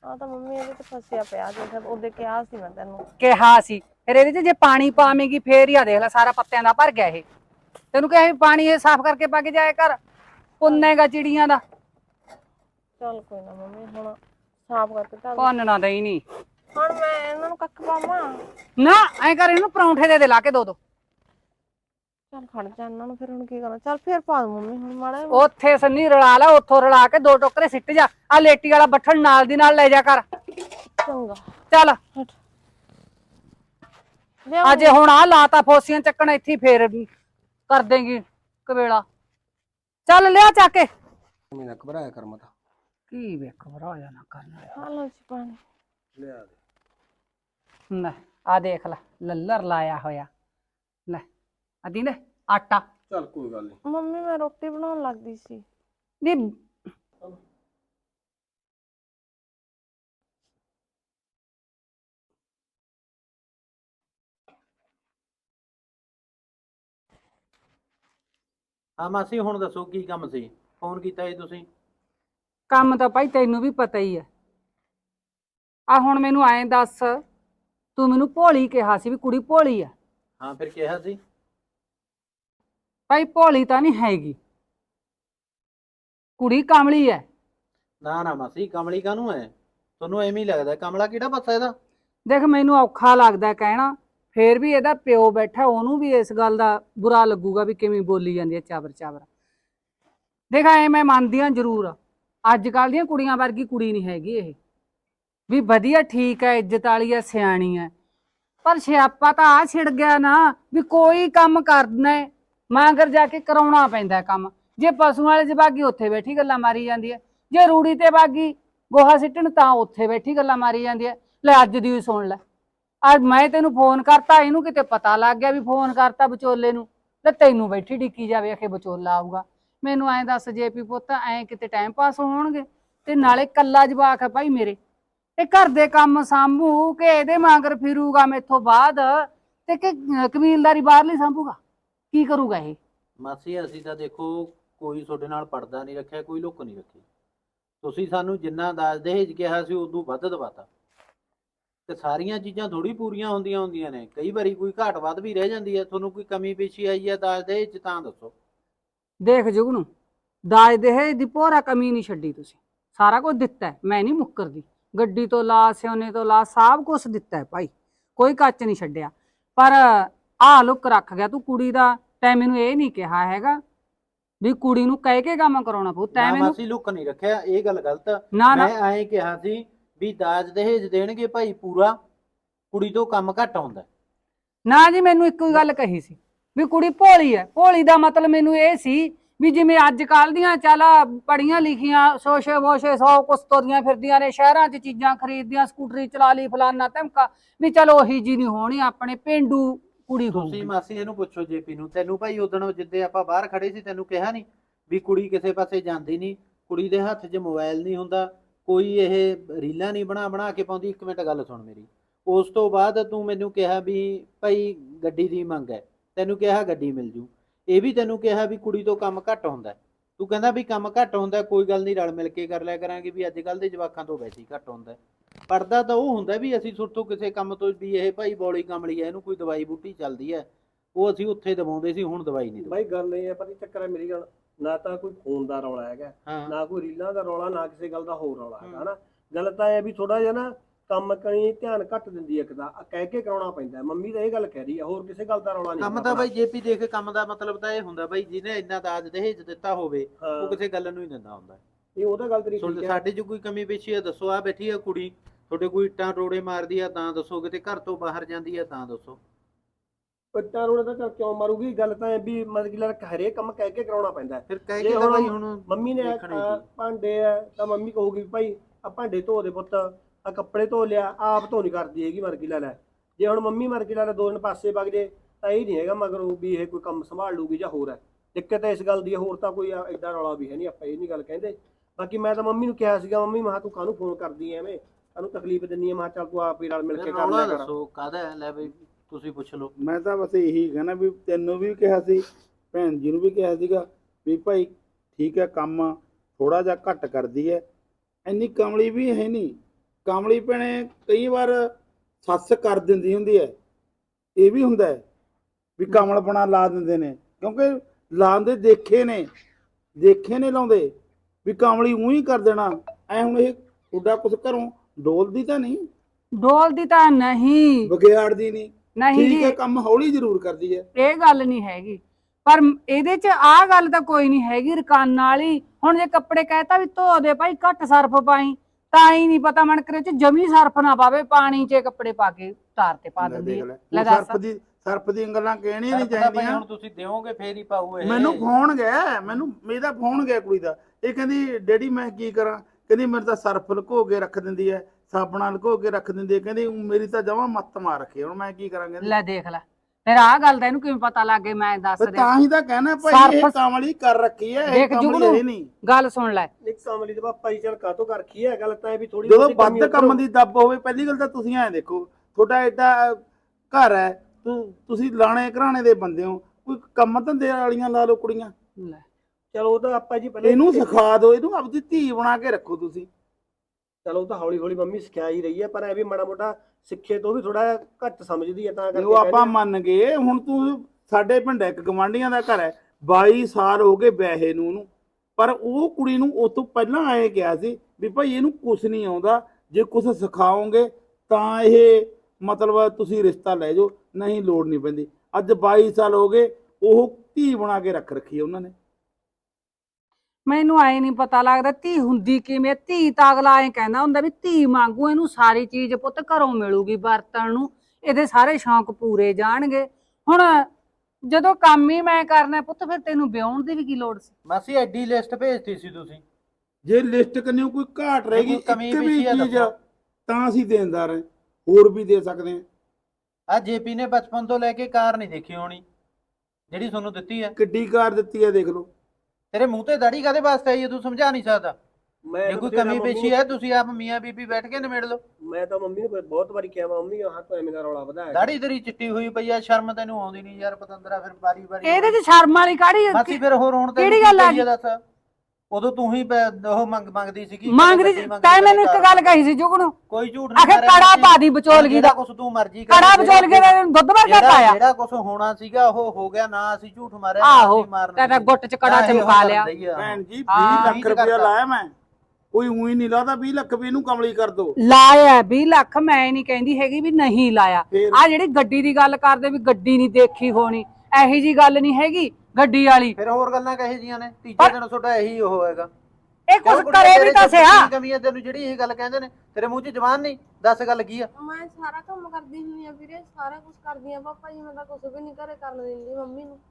ਆ ਤਾਂ ਮੰਮੀ ਇਹਦੇ ਤੇ ਫਸਿਆ ਪਿਆ ਦੇਖ ਉਹਦੇ ਕਿਹਾ ਸੀ ਮੈਂ ਤੈਨੂੰ।
ਕਿਹਾ ਸੀ ਫਿਰ ਇਹਦੇ ਚ ਜੇ ਪਾਣੀ ਪਾਵੇਂਗੀ ਫੇਰ ਹੀ ਆ ਦੇਖ ਲੈ ਸਾਰਾ ਪੱਤਿਆਂ ਦਾ ਭਰ ਗਿਆ ਇਹ। ਤੈਨੂੰ ਕਿਹਾ ਸੀ ਪਾਣੀ ਇਹ ਸਾਫ਼ ਕਰਕੇ ਪਾ ਕੇ ਜਾਇਆ ਕਰ, ਪੁੰਨੇਗਾ ਚਿੜੀਆਂ ਦਾ।
ਚੱਲ ਕੋਈ ਨਾ ਮੰਮੀ ਹੁਣ ਸਾਫ਼ ਕਰਕੇ ਤਾਂ
ਭੰਨ ਨਾ ਦਈ ਨੀ
ਹੁਣ ਮੈਂ ਇਹਨਾਂ ਨੂੰ ਕੱਖ ਪਾਵਾਂ।
ਨਾ ਐ ਕਰ ਇਹਨੂੰ ਪਰੌਂਠੇ ਦੇ ਦੇ ਲਾ ਕੇ ਦੋ ਦੋ।
ਚੱਲ ਖੜ ਜਾ ਇਹਨਾਂ ਨੂੰ ਫਿਰ ਹੁਣ ਕੀ ਕਰਾਂ। ਚੱਲ ਫਿਰ ਪਾ ਦੂੰ ਮੰਮੀ ਹੁਣ ਮਾੜਾ ਜਿਹਾ।
ਉੱਥੇ ਸੰਨੀ ਰਲਾ ਲਾ, ਉੱਥੋਂ ਰਲਾ ਕੇ ਦੋ ਟੋਕਰੇ ਸਿੱਟ ਜਾ। ਆ ਲੇਟੀ ਵਾਲਾ ਬੱਠਣ ਨਾਲ ਦੀ ਨਾਲ ਲੈ ਜਾ ਕਰ।
ਚੰਗਾ
ਚੱਲ
ਲਿਆਓ।
ਅਜੇ ਹੁਣ ਆ ਲਾਤਾ ਫੋਸੀਆਂ ਚੱਕਣ ਇੱਥੇ ਹੀ ਫੇਰ ਕਰ ਦੇਂਗੀ ਕਵੇਲਾ। ਚੱਲ ਲਿਆ ਚੱਕ ਕੇ।
ਮੰਮੀ ਨਾ ਘਬਰਾਇਆ ਕਰ ਮਤਾ।
ਕੀ ਵੇਖ ਭਰਾਇਆ ਨਾ ਕਰਨਾ।
ਆ ਲਓ ਜੀ ਪਾਣੀ।
ਲਿਆ ਦੇ।
ਲੈ ਆ ਦੇਖ ਲੈ ਲੱਲਰ ਲਾਇਆ ਹੋਇਆ। ਲੈ ਅਦੀ ਨੇ ਆਟਾ।
ਚੱਲ ਕੋਈ ਗੱਲ ਨਹੀਂ।
ਮੰਮੀ ਮੈਂ ਰੋਟੀ ਬਣਾਉਣ ਲੱਗਦੀ ਸੀ।
ਨੀ
ਹਾਂ ਮਾਸੀ ਹੁਣ ਦੱਸੋ ਕੀ ਕੰਮ ਸੀ, ਫੋਨ ਕੀਤਾ ਜੀ ਤੁਸੀਂ?
ਕੰਮ ਤਾਂ ਭਾਈ ਤੈਨੂੰ ਵੀ ਪਤਾ ਹੀ ਹੈ। ਆ ਹੁਣ ਮੈਨੂੰ ਐਂ ਦੱਸ, ਤੂੰ ਮੈਨੂੰ ਭੋਲੀ ਕਿਹਾ ਸੀ ਵੀ ਕੁੜੀ ਭੋਲੀ ਆ।
ਹਾਂ ਫਿਰ ਕਿਹਾ ਸੀ।
ਭਾਈ ਭੋਲੀ ਤਾਂ ਨਹੀਂ ਹੈਗੀ, ਕੁੜੀ ਕਮਲੀ ਹੈ।
ਨਾ ਨਾ ਮਾਸੀ ਕਮਲੀ ਕਾਹਨੂੰ ਹੈ, ਤੁਹਾਨੂੰ ਐਵੇਂ ਹੀ ਲੱਗਦਾ। ਕਮਲਾ ਕਿਹੜਾ ਪਾਸਾ ਇਹਦਾ?
ਦੇਖ ਮੈਨੂੰ ਔਖਾ ਲੱਗਦਾ ਕਹਿਣਾ, ਫੇਰ ਵੀ ਇਹਦਾ ਪਿਓ ਬੈਠਾ, ਉਹਨੂੰ ਵੀ ਇਸ ਗੱਲ ਦਾ ਬੁਰਾ ਲੱਗੂਗਾ ਵੀ ਕਿਵੇਂ ਬੋਲੀ ਜਾਂਦੀ ਹੈ ਚਾਬਰ ਚਾਬਰ। ਦੇਖ ਐ ਮੈਂ ਮੰਨਦੀ ਹਾਂ ਜ਼ਰੂਰ, ਅੱਜ ਕੱਲ੍ਹ ਦੀਆਂ ਕੁੜੀਆਂ ਵਰਗੀ ਕੁੜੀ ਨਹੀਂ ਹੈਗੀ ਇਹ, ਵੀ ਵਧੀਆ ਠੀਕ ਹੈ, ਇੱਜ਼ਤ ਵਾਲੀ ਹੈ, ਸਿਆਣੀ ਹੈ। ਪਰ ਸਿਆਪਾ ਤਾਂ ਆ ਛਿੜ ਗਿਆ ਨਾ ਵੀ ਕੋਈ ਕੰਮ ਕਰਨਾ ਮਾਂਗਰ ਜਾ ਕੇ ਕਰਾਉਣਾ ਪੈਂਦਾ ਕੰਮ। ਜੇ ਪਸ਼ੂ ਵਾਲੇ 'ਚ ਬਾਗੀ ਉੱਥੇ ਬੈਠੀ ਗੱਲਾਂ ਮਾਰੀ ਜਾਂਦੀ ਹੈ, ਜੇ ਰੂੜੀ ਤੇ ਬਾਗੀ ਗੋਹਾ ਸਿੱਟਣ ਤਾਂ ਉੱਥੇ ਬੈਠੀ ਗੱਲਾਂ ਮਾਰੀ ਜਾਂਦੀ ਹੈ। ਲੈ ਅੱਜ ਦੀ ਵੀ ਸੁਣ ਲੈ, ਅੱਜ ਮੈਂ ਤੈਨੂੰ ਫੋਨ ਕਰਤਾ, ਇਹਨੂੰ ਕਿਤੇ ਪਤਾ ਲੱਗ ਗਿਆ ਵੀ ਫੋਨ ਕਰਤਾ ਵਿਚੋਲੇ ਨੂੰ, ਤੇ ਤੈਨੂੰ ਬੈਠੀ ਡਿੱਕੀ ਜਾਵੇ ਆਖੇ ਵਿਚੋਲਾ ਆਊਗਾ। ਮੈਨੂੰ ਐਂ ਦੱਸ ਜੇ ਪੀ ਪੁੱਤ ਐਂ ਕਿਤੇ ਟਾਈਮ ਪਾਸ ਹੋਣਗੇ? ਤੇ ਨਾਲੇ ਕੱਲਾ ਜਵਾਕ ਹੈ ਭਾਈ ਮੇਰੇ, ਤੇ ਘਰ ਦੇ ਕੰਮ ਸਾਂਭੂ ਕਿ ਇਹਦੇ ਮਗਰ ਫਿਰੂਗਾ ਮੈਥੋਂ ਬਾਅਦ, ਤੇ ਕਿ ਕਬੀਲਦਾਰੀ ਬਾਹਰਲੀ ਸਾਂਭੂਗਾ? ਕੀ ਕਰੂਗਾ ਇਹ?
ਮਾਸੀ ਅਸੀਂ ਤਾਂ ਦੇਖੋ ਕੋਈ ਤੁਹਾਡੇ ਨਾਲ ਪੜਦਾ ਨਹੀਂ ਰੱਖਿਆ, ਕੋਈ ਲੁੱਕ ਨਹੀਂ ਰੱਖੀ। ਤੁਸੀਂ ਸਾਨੂੰ ਜਿੰਨਾ ਦਾਜ ਦਹੇਜ ਕਿਹਾ ਸੀ ਉਦੋਂ ਵੱਧ ਦਵਾਤਾ। ਤੇ ਸਾਰੀਆਂ ਚੀਜ਼ਾਂ ਥੋੜੀ ਪੂਰੀਆਂ ਹੁੰਦੀਆਂ ਹੁੰਦੀਆਂ ਨੇ, ਕਈ ਵਾਰੀ ਕੋਈ ਘਾਟ ਵੱਧ ਵੀ ਰਹਿ ਜਾਂਦੀ ਹੈ। ਤੁਹਾਨੂੰ ਕੋਈ ਕਮੀ ਪੇਸ਼ੀ ਆਈ ਹੈ ਦਾਜ ਦਹੇਜ 'ਚ ਤਾਂ ਦੱਸੋ।
ਦੇਖ ਜੁਗਨੂ, ਦਾਜ ਦਹੇਜ ਦੀ ਭੋਰਾ ਕਮੀ ਨਹੀਂ ਛੱਡੀ ਤੁਸੀਂ, ਸਾਰਾ ਕੁਝ ਦਿੱਤਾ ਹੈ, ਮੈਂ ਨਹੀਂ ਮੁੱਕਰਦੀ। ਗੱਡੀ ਤੋਂ ਲਾ, ਸਿਉਨੇ ਤੋਂ ਲਾ, ਸਭ ਕੁਝ ਦਿੱਤਾ ਹੈ ਭਾਈ, ਕੋਈ ਕੱਚ ਨਹੀਂ ਛੱਡਿਆ। ਪਰ ਆਹ ਲੁੱਕ ਰੱਖ ਗਿਆ ਤੂੰ ਕੁੜੀ ਦਾ। ਤੈਂ ਮੈਨੂੰ ਇਹ ਨਹੀਂ ਕਿਹਾ ਹੈਗਾ ਵੀ ਕੁੜੀ ਨੂੰ ਕਹਿ ਕੇ ਕੰਮ ਕਰਾਉਣਾ ਪਊ। ਤੈਂ ਮੈਨੂੰ
ਮਾਸੀ ਲੁੱਕ ਨਹੀਂ ਰੱਖਿਆ, ਇਹ ਗੱਲ ਗਲਤ।
ਨਾ ਨਾ
ਮੈਂ ਐਂ ਕਿਹਾ ਸੀ ਵੀ ਦਾਜ ਦਹੇਜ ਦੇਣਗੇ ਭਾਈ ਪੂਰਾ, ਕੁੜੀ ਤੋਂ ਕੰਮ ਘੱਟ ਆਉਂਦਾ।
ਨਾ ਜੀ, ਮੈਨੂੰ ਇੱਕੋ ਹੀ ਗੱਲ ਕਹੀ ਸੀ ਵੀ ਕੁੜੀ ਭੋਲੀ ਹੈ। ਭੋਲੀ ਦਾ ਮਤਲਬ ਮੈਨੂੰ ਇਹ ਸੀ ਵੀ ਜਿਵੇਂ ਅੱਜ ਕੱਲ੍ਹ ਦੀਆਂ ਚੱਲ ਪੜੀਆਂ ਲਿਖੀਆਂ ਸੋਸ਼ੇ ਵੋਸ਼ੇ ਸੌ ਕੁਛ ਤੁਰੀਆਂ ਫਿਰਦੀਆਂ ਨੇ, ਸ਼ਹਿਰਾਂ 'ਚ ਚੀਜ਼ਾਂ ਖਰੀਦਦੀਆਂ, ਸਕੂਟਰੀ ਚਲਾ ਲਈ, ਫਲਾਨਾ ਧਮਕਾ, ਵੀ ਚਲੋ ਉਹੀ ਜੀ ਨਹੀਂ ਹੋਣੀ, ਆਪਣੇ ਪੇਂਡੂ ਕੁੜੀ ਹੋਊਗੀ।
ਤੁਸੀਂ ਮਾਸੀ ਇਹਨੂੰ ਪੁੱਛੋ ਜੇਪੀ ਨੂੰ, ਤੈਨੂੰ ਭਾਈ ਉਦਣ ਜਿੱਦੇ ਆਪਾਂ ਬਾਹਰ ਖੜੇ ਸੀ ਤੈਨੂੰ ਕਿਹਾ ਨਹੀਂ ਵੀ ਕੁੜੀ ਕਿਸੇ ਪਾਸੇ ਜਾਂਦੀ ਨਹੀਂ, ਕੁੜੀ ਦੇ ਹੱਥ 'ਚ ਮੋਬਾਈਲ ਨਹੀਂ ਹੁੰਦਾ, ਕੋਈ ਇਹ ਰੀਲਾਂ ਨਹੀਂ ਬਣਾ ਬਣਾ ਕੇ ਪਾਉਂਦੀ। ਇੱਕ ਮਿੰਟ ਗੱਲ ਸੁਣ ਮੇਰੀ। ਉਸ ਤੋਂ ਬਾਅਦ ਤੂੰ ਮੈਨੂੰ ਕਿਹਾ ਵੀ ਭਾਈ ਗੱਡੀ ਦੀ ਮੰਗ ਹੈ, ਤੈਨੂੰ ਕਿਹਾ ਗੱਡੀ ਮਿਲ ਜੂ। ਇਹ ਵੀ ਤੈਨੂੰ ਕਿਹਾ ਵੀ ਕੁੜੀ ਤੋਂ ਕੰਮ ਘੱਟ ਹੁੰਦਾ, ਤੂੰ ਕਹਿੰਦਾ ਵੀ ਕੰਮ ਘੱਟ ਹੁੰਦਾ, ਕੋਈ ਗੱਲ ਨਹੀਂ ਰਲ ਮਿਲ ਕੇ ਕਰ ਲਿਆ ਕਰਾਂਗੇ, ਵੀ ਅੱਜ ਕੱਲ੍ਹ ਦੇ ਜਵਾਕਾਂ ਤੋਂ ਵੈਸੇ ਹੀ ਘੱਟ ਹੁੰਦਾ। ਪੜਦਾ ਤਾਂ ਉਹ ਹੁੰਦਾ ਵੀ ਅਸੀਂ ਸੁਰਤੋਂ ਕਿਸੇ ਕੰਮ ਤੋਂ ਵੀ ਇਹ ਭਾਈ ਬੌਲੀ ਕਮਲੀ ਹੈ, ਇਹਨੂੰ ਕੋਈ ਦਵਾਈ ਬੂਟੀ ਚੱਲਦੀ ਹੈ, ਉਹ ਅਸੀਂ ਉੱਥੇ ਦਵਾਉਂਦੇ ਸੀ, ਹੁਣ ਦਵਾਈ ਨਹੀਂ
ਬਾਈ ਗੱਲ ਇਹ ਹੈ, ਪਤਾ ਚੱਕਰ ਹੈ ਮੇਰੀ ਗੱਲ, ਨਾ ਤਾਂ ਕੋਈ ਫੋਨ ਦਾ ਰੌਲਾ ਹੈਗਾ,
ਹਾਂ
ਨਾ ਕੋਈ ਰੀਲਾਂ ਦਾ ਰੌਲਾ, ਨਾ ਕਿਸੇ ਗੱਲ ਦਾ ਹੋਰ ਰੌਲਾ ਹੈਗਾ ਹਨਾ। ਗੱਲ ਤਾਂ ਇਹ ਵੀ ਥੋੜਾ ਜਿਹਾ ਨਾ ਕੰਮ ਕਣੀ ਧਿਆਨ ਘੱਟ ਦਿੰਦੀ ਇੱਕ ਦਾ, ਕਹਿ ਕੇ ਕਰਾਉਣਾ ਪੈਂਦਾ। ਮੰਮੀ ਤਾਂ ਇਹ ਗੱਲ ਕਹਿ ਰਹੀ ਆ, ਹੋਰ ਕਿਸੇ ਗੱਲ ਦਾ ਰੌਲਾ ਨਹੀਂ।
ਕੰਮ ਤਾਂ ਬਾਈ ਜੇਪੀ ਦੇਖ, ਕੰਮ ਦਾ ਮਤਲਬ ਤਾਂ ਇਹ ਹੁੰਦਾ ਬਾਈ ਜਿਹਨੇ ਇੰਨਾ ਦਾਜ ਦਹੇਜ ਦਿੱਤਾ ਹੋਵੇ ਉਹ ਕਿਸੇ ਗੱਲ ਨੂੰ ਹੀ ਦਿੰਦਾ ਹੁੰਦਾ।
ਇਹ ਉਹਦਾ ਗੱਲ ਤੇਰੀ ਠੀਕ ਹੈ।
ਸਾਡੇ 'ਚ ਕੋਈ ਕਮੀ ਪੇਸ਼ੀ ਆ ਦੱਸੋ। ਆ ਬੈਠੀ ਆ ਕੁੜੀ, ਤੁਹਾਡੇ ਕੋਈ ਇੱਟਾਂ ਰੋੜੇ ਮਾਰਦੀ ਆ ਤਾਂ ਦੱਸੋ, ਕਿਤੇ ਘਰ ਤੋਂ ਬਾਹਰ ਜਾਂਦੀ ਆ ਤਾਂ ਦੱਸੋ।
ਇੱਟਾਂ ਰੋੜੇ ਤਾਂ ਕਿਉਂ ਮਾਰੂਗੀ? ਗੱਲ ਤਾਂ ਇਹ ਵੀ ਮਤਲਬ ਕਿ ਲੱਗ ਹਰੇਕ ਕੰਮ ਕਹਿ ਕੇ ਕਰਾਉਣਾ ਪੈਂਦਾ।
ਫਿਰ ਕਹਿ
ਜੇ
ਕੇ ਤਾਂ ਬਾਈ
ਹੁਣ
ਹੁਣ
ਮੰਮੀ ਨੇ
ਦੇਖਣਾ ਹੀ
ਅਹ
ਸੀ।
ਭਾਂਡੇ ਆ ਤਾਂ ਮੰਮੀ ਕਹੂਗੀ ਵੀ ਭਾਈ ਆ ਭਾਂਡੇ ਧੋ ਦੇ ਪੁੱਤ, ਆ ਕੱਪੜੇ ਧੋ ਲਿਆ, ਆਪ ਧੋ ਨਹੀਂ ਕਰਦੀ ਹੈਗੀ ਮਰਗੀ ਲਾ ਲੈ। ਜੇ ਹੁਣ ਮੰਮੀ ਮਰਗੀ ਲਾ ਲੈ ਦੋ ਦਿਨ ਪਾਸੇ ਵਗ ਜੇ ਤਾਂ ਇਹ ਨਹੀਂ ਹੈਗਾ ਮਗਰ ਉਹ ਵੀ ਇਹ ਕੋਈ ਕੰਮ ਸੰਭਾਲ ਲੂਗੀ ਜਾਂ ਹੋਰ ਹੈ। ਦਿੱਕਤ ਇਸ ਗੱਲ ਦੀ, ਹੋਰ ਤਾਂ ਕੋਈ ਐਡਾ ਰੌਲਾ ਵੀ ਹੈ ਨਹੀਂ, ਆਪਾਂ ਇਹ ਨਹੀਂ ਗੱਲ ਕਹਿੰਦੇ। ਬਾਕੀ ਮੈਂ ਤਾਂ ਮੰਮੀ ਨੂੰ ਕਿਹਾ ਸੀਗਾ, ਮੰਮੀ ਮੈਂ ਤੂੰ ਕਾਹਨੂੰ ਫੋਨ ਕਰਦੀ ਐ ਐਵੇਂ, ਕਾਹਨੂੰ ਤਕਲੀਫ ਦਿੰਦੀ ਐ, ਮੈਂ ਚੱਲ ਤੂੰ ਆਪ ਹੀ ਨਾਲ ਮਿਲ ਕੇ ਕਰ ਲਿਆ ਕਰ।
ਦੱਸੋ ਕਾਹਦਾ ਲੈ ਬਈ, ਤੁਸੀਂ ਪੁੱਛ ਲਓ।
ਮੈਂ ਤਾਂ ਬਸ ਇਹੀ ਕਹਿਣਾ ਵੀ ਤੈਨੂੰ ਵੀ ਕਿਹਾ ਸੀ, ਭੈਣ ਜੀ ਨੂੰ ਵੀ ਕਿਹਾ ਸੀਗਾ ਵੀ ਭਾਈ ਠੀਕ ਹੈ ਕੰਮ ਥੋੜਾ ਜਿਹਾ ਘੱਟ ਕਰਦੀ ਹੈ, ਇੰਨੀ ਕਮਲੀ ਵੀ ਹੈ ਨਹੀਂ ਕਮਲੀ ਭੈਣੇ ਕਈ ਵਾਰ ਸੱਸ ਕਰ ਦਿੰਦੀ ਹੁੰਦੀ ਹੈ, ਇਹ ਵੀ ਹੁੰਦਾ ਹੈ ਵੀ ਕਮਲਪਣਾ ਲਾ ਦਿੰਦੇ ਨੇ, ਕਿਉਂਕਿ ਲਾਉਂਦੇ ਦੇਖੇ ਨੇ ਦੇਖੇ ਨੇ ਲਾਉਂਦੇ ਵੀ ਕਮਲੀ ਉਹੀ ਕਰ ਦੇਣਾ ਐ। ਹੁਣ ਇਹ ਤੁਹਾਡਾ ਕੁਛ ਘਰੋਂ ਡੋਲਦੀ ਤਾਂ ਨਹੀਂ,
ਡੋਲਦੀ ਤਾਂ ਨਹੀਂ
ਵਿਗਿਆੜਦੀ ਨਹੀਂ,
ਨਹੀਂ
ਠੀਕ ਹੈ
ਜੀ,
ਕੰਮ ਹੌਲੀ ਜ਼ਰੂਰ ਕਰਦੀ ਹੈ।
ਇਹ ਗੱਲ ਨਹੀਂ ਹੈਗੀ, ਪਰ ਇਹਦੇ ਚ ਆਹ ਗੱਲ ਤਾਂ ਕੋਈ ਨਹੀਂ ਹੈਗੀ ਰਕਾਨ ਵਾਲੀ। ਹੁਣ ਜੇ ਕੱਪੜੇ ਕਹਿਤਾ ਵੀ ਧੋ ਦੇ ਭਾਈ ਘੱਟ ਸਰਫ ਪਾਈ, ਤਾਂ ਹੀ ਨਹੀਂ ਪਤਾ ਮਨ ਕਰੇ ਚ ਜਮੀ ਸਰਫ ਨਾ ਪਾਵੇ, ਪਾਣੀ ਚ ਕੱਪੜੇ ਪਾ ਕੇ ਤਾਰ ਤੇ ਪਾ
ਲੈ
ਦਿੰਦੀ
ਦੇਖ
ਹੈ।
ਲੈ,
ਲੈ
ਉਹ
ਦੱਸ।
ਸਰਫ ਦੀ ਸਰਫ ਦੀਆਂ ਗੱਲਾਂ ਕਹਿਣੀਆਂ ਨਹੀਂ
ਸਰਫ ਦਾ ਭਾਈ
ਚਾਹੀਦੀਆਂ।
ਹੁਣ ਤੁਸੀਂ ਦਿਓਗੇ ਫੇਰ ਹੀ ਪਾਊ ਇਹ।
ਮੈਨੂੰ ਫੋਨ ਗਿਆ, ਮੈਨੂੰ ਮੇਰਾ ਫੋਨ ਗਿਆ ਕੁੜੀ ਦਾ, ਇਹ ਕਹਿੰਦੀ ਡੈਡੀ ਮੈਂ ਕੀ ਕਰਾਂ, ਕਹਿੰਦੀ ਮੇਰੇ ਤਾਂ ਸਰਫ ਲੁਕੋ ਕੇ ਰੱਖ ਦਿੰਦੀ ਹੈ, ਸਾਬਣਾ ਲੁਕੋ ਕੇ ਰੱਖ ਦਿੰਦੀ ਹੈ, ਕਹਿੰਦੀ ਮੇਰੀ ਤਾਂ ਜਮਾਂ ਮੱਤ ਮਾਰ ਰੱਖੀ ਹੈ, ਹੁਣ ਮੈਂ ਕੀ ਕਰਾਂ। ਕਹਿੰਦੀ
ਲੈ ਦੇਖ ਲੈ, ਫਿਰ ਆਹ ਗੱਲ ਤਾਂ ਇਹਨੂੰ ਕਿਵੇਂ ਪਤਾ ਲੱਗ ਗਈ, ਮੈਂ ਦੱਸ
ਫਿਰ
ਦੇ।
ਤਾਂ ਹੀ ਤਾਂ ਕਹਿਣਾ ਭਾਈ ਇਹ
ਸਰਫ-
ਕਮਲੀ ਕਰ ਰੱਖੀ ਹੈ, ਇਹ
ਦੇਖ
ਕਮਲੀ
ਜੁਗਨੂ,
ਇਹ ਨਹੀਂ।
ਗੱਲ ਸੁਣ ਲੈ,
ਇੱਕ ਕਮਲੀ ਦੇ ਪਾਪਾ ਜੀ ਚੱਲ ਕਾਤੋਂ ਕਰ ਰੱਖੀ ਹੈ, ਗੱਲ ਤਾਂ ਇਹ ਵੀ ਥੋੜੀ
ਜਦੋਂ ਵੱਧ ਕੰਮ ਦੀ ਦੱਬ ਹੋਵੇ, ਪਹਿਲੀ ਗੱਲ ਤਾਂ ਤੁਸੀਂ ਐਂ ਦੇਖੋ, ਤੁਹਾਡਾ ਐਡਾ ਘਰ ਹੈ, ਤੁ- ਤੁਸੀਂ ਲਾਣੇ ਘਰਾਣੇ ਦੇ ਬੰਦੇ ਹੋ, ਕੋਈ ਕੰਮ ਧੰਦੇ ਵਾਲੀਆਂ ਲਾ ਲਓ ਕੁੜੀਆਂ,
ਲੈ
ਚਲੋ ਉਹ ਤਾਂ ਆਪਾਂ ਜੀ ਪਹਿਲੇ
ਇਹਨੂੰ ਸਿਖਾ ਦਿਓ, ਇਹਨੂੰ ਆਪਦੀ ਧੀ ਬਣਾ ਕੇ ਰੱਖੋ ਤੁਸੀਂ।
ਚਲੋ ਉਹ ਤਾਂ ਹੌਲੀ ਹੌਲੀ ਮੰਮੀ ਸਿਖਾ ਹੀ ਰਹੀ ਹੈ, ਪਰ ਇਹ ਵੀ ਮਾੜਾ ਮੋਟਾ ਸਿੱਖੇ ਤੋਂ ਵੀ ਥੋੜਾ ਘੱਟ ਸਮਝਦੀ ਹੈ, ਤਾਂ ਕਰਕੇ
ਉਹ ਆਪਾਂ
ਕਹਿੰਦੇ
ਮੰਨ ਗਏ। ਹੁਣ ਤੂੰ ਸਾਡੇ ਪਿੰਡ ਇੱਕ ਗਵਾਂਢੀਆਂ ਦਾ ਘਰ ਹੈ, ਬਾਈ ਸਾਲ ਹੋ ਗਏ ਵਿਆਹੇ ਨੂੰ ਉਹਨੂੰ, ਪਰ ਉਹ ਕੁੜੀ ਨੂੰ ਉਹ ਤੋਂ ਪਹਿਲਾਂ ਆਏ ਕਿਹਾ ਸੀ ਵੀ ਭਾਈ ਇਹਨੂੰ ਕੁਛ ਨਹੀਂ ਆਉਂਦਾ, ਜੇ ਕੁਛ ਸਿਖਾਓਗੇ ਤਾਂ ਇਹ ਮਤਲਬ ਤੁਸੀਂ ਰਿਸ਼ਤਾ ਲੈ ਜਾਓ, ਨਹੀਂ ਲੋੜ ਨਹੀਂ ਪੈਂਦੀ। ਅੱਜ ਬਾਈ ਸਾਲ ਹੋ ਗਏ, ਉਹ ਧੀ ਬਣਾ ਕੇ ਰੱਖ ਰੱਖੀ ਹੈ ਉਹਨਾਂ ਨੇ।
ਮੈਨੂੰ ਆਏ ਨਹੀਂ ਪਤਾ ਲੱਗਦਾ ਧੀ ਹੁੰਦੀ ਕਿਵੇਂ। ਧੀ ਤਾਂ ਅਗਲਾ ਐ ਕਹਿੰਦਾ ਹੁੰਦਾ ਵੀ ਧੀ ਮੰਗੂ ਇਹਨੂੰ ਸਾਰੀ ਚੀਜ਼ ਪੁੱਤ ਘਰੋਂ ਮਿਲੂਗੀ ਵਰਤਣ ਨੂੰ, ਇਹਦੇ ਸਾਰੇ ਸ਼ੌਂਕ ਪੂਰੇ ਜਾਣਗੇ। ਹੁਣ ਜਦੋਂ ਕੰਮ ਹੀ ਮੈਂ ਕਰਨਾ ਪੁੱਤ, ਫਿਰ ਤੈਨੂੰ ਵਿਆਹਣ ਦੀ ਵੀ ਕੀ ਲੋੜ ਸੀ।
ਮਾਸੀ ਐਡੀ ਲਿਸਟ ਭੇਜਤੀ ਸੀ ਤੁਸੀਂ,
ਜੇ ਲਿਸਟ ਕੰਨਿਓ ਕੋਈ ਘਾਟ ਰਹੇਗੀ
ਕੋਈ ਕਮੀ
ਇੱਕ ਵੀ
ਪੇਸ਼ੀ ਹੈ
ਚੀਜ਼,
ਦੱਸੋ।
ਤਾਂ ਅਸੀਂ ਦੇਣਦਾਰ ਹਾਂ, ਹੋਰ ਵੀ ਦੇ ਸਕਦੇ ਹਾਂ।
ਆ ਜੇਪੀ ਨੇ ਬਚਪਨ ਤੋਂ ਲੈ ਕੇ ਕਾਰ ਨਹੀਂ ਦੇਖੀ ਹੋਣੀ ਜਿਹੜੀ ਤੁਹਾਨੂੰ ਦਿੱਤੀ ਹੈ।
ਕਿੱਡੀ ਕਾਰ ਦਿੱਤੀ ਹੈ ਦੇਖ ਲਓ।
ਤੇਰੇ ਮੂੰਹ ਤੇ ਦਾੜੀ ਕਾਦੇ ਵਾਸਤੇ ਆਈ ਹੈ, ਤੂੰ ਸਮਝਾ ਨਹੀਂ ਸਕਦਾ।
ਮੈਂ
ਜੇ
ਤਾਂ
ਕੋਈ
ਬਥੇਰਾ
ਕਮੀ
ਮੰਮੀ
ਪੇਸ਼ੀ ਹੈ ਤੁਸੀਂ ਆਪ ਮੀਆਂ ਬੀਬੀ ਬੈਠ ਕੇ ਨਿਬੇੜ ਲਓ।
ਮੈਂ ਤਾਂ ਮੰਮੀ ਨੂੰ ਬਹੁਤ ਵਾਰੀ ਕਿਹਾ ਮੰਮੀ ਆਹ ਤਾਂ ਐਵੇਂ ਦਾ ਰੌਲਾ ਵਧਾਇਆ
ਦਾੜੀ ਤੇਰੀ ਚਿੱਟੀ ਹੋਈ ਪਈ ਆ, ਸ਼ਰਮ ਤੈਨੂੰ ਆਉਂਦੀ ਨਹੀਂ ਯਾਰ ਪਤੰਦਰਾ। ਫਿਰ ਵਾਰੀ ਵਾਰੀ
ਇਹਦੇ ਚ ਸ਼ਰਮ ਵਾਲੀ ਕਾੜੀ
ਮਾਸੀ ਫਿਰ ਹੋਰ ਹੁਣ
ਕਿਹੜੀ ਗੱਲ ਆ
ਗਈ ਆ ਦੱਸ। ਉਦੋਂ ਤੂੰ ਹੀ ਪੈ- ਉਹ ਮੰਗ ਮੰਗਦੀ ਸੀਗੀ,
ਮੰਗਦੀ ਤੈਂ ਮੈਨੂੰ ਇੱਕ ਗੱਲ ਕਹੀ ਸੀ ਜੁਗਣੂ,
ਕੋਈ ਝੂਠ
ਆਖੇ ਕੜਾ ਪਾ ਦੀ ਵਿਚੋਲਗੀ ਦਾ,
ਕੁਛ ਤੂੰ ਮਰਜ਼ੀ
ਕੜਾ ਵਿਚੋਲਗੀ ਦਾ ਦੁੱਧ ਵਰਗਾ ਪਾਇਆ।
ਜਿਹੜਾ ਕੁਛ ਹੋਣਾ ਸੀਗਾ ਉਹ ਹੋ ਗਿਆ, ਨਾ ਅਸੀਂ ਝੂਠ ਮਾਰਿਆ
ਆਹੋ ਤੇਰਾ ਗੁੱਟ ਚ ਕੜਾ ਚਮਕਾ ਲਿਆ।
ਭੈਣ ਜੀ
ਹਾਂ,
ਵੀਹ ਲੱਖ
ਵੀਹ
ਰੁਪਇਆ
ਕਰਤਾ।
ਲਾਇਆ ਮੈਂ, ਕੋਈ ਉਹੀ ਨਹੀਂ ਲਾਦਾ ਵੀਹ ਲੱਖ ਵੀ ਇਹਨੂੰ ਕਮਲੀ ਕਰ ਦੋ।
ਲਾਇਆ ਵੀਹ ਲੱਖ, ਮੈਂ ਨਹੀਂ ਕਹਿੰਦੀ ਹੈਗੀ ਵੀ ਨਹੀਂ ਲਾਇਆ।
ਫਿਰ?
ਆ ਜਿਹੜੀ ਗੱਡੀ ਦੀ ਗੱਲ ਕਰਦੇ ਵੀ ਗੱਡੀ ਨਹੀਂ ਦੇਖੀ ਹੋਣੀ, ਇਹੀ ਜੀ ਗੱਲ ਨਹੀਂ ਹੈਗੀ ਗੱਡੀ ਵਾਲੀ।
ਫਿਰ ਹੋਰ ਗੱਲਾਂ ਕਹੇ ਜੀਆਂ ਨੇ, ਤੀਜੇ ਦਿਨ ਤੁਹਾਡਾ ਇਹੀ ਉਹ ਹੈਗਾ।
ਇਹ ਕੁਝ ਕਰੇ ਵੀ ਤਾਂ ਸਿਆ।
ਕਮੀ ਹੈ ਤੈਨੂੰ ਜਿਹੜੀ ਇਹ ਗੱਲ ਕਹਿੰਦੇ ਨੇ, ਤੇਰੇ ਮੂੰਹ 'ਚ ਜ਼ਬਾਨ ਨਹੀਂ, ਦੱਸ ਗੱਲ ਕੀ ਆ।
ਮੈਂ ਸਾਰਾ ਕੰਮ ਕਰਦੀ ਹੁੰਦੀ ਆ ਵੀਰੇ, ਸਾਰਾ ਕੁਝ ਕਰਦੀ ਆ ਪਾਪਾ ਜੀ, ਮੈਂ ਤਾਂ ਕੁਝ ਵੀ ਨਹੀਂ ਘਰੇ ਕਰਨ ਦਿੰਦੀ ਮੰਮੀ ਨੂੰ।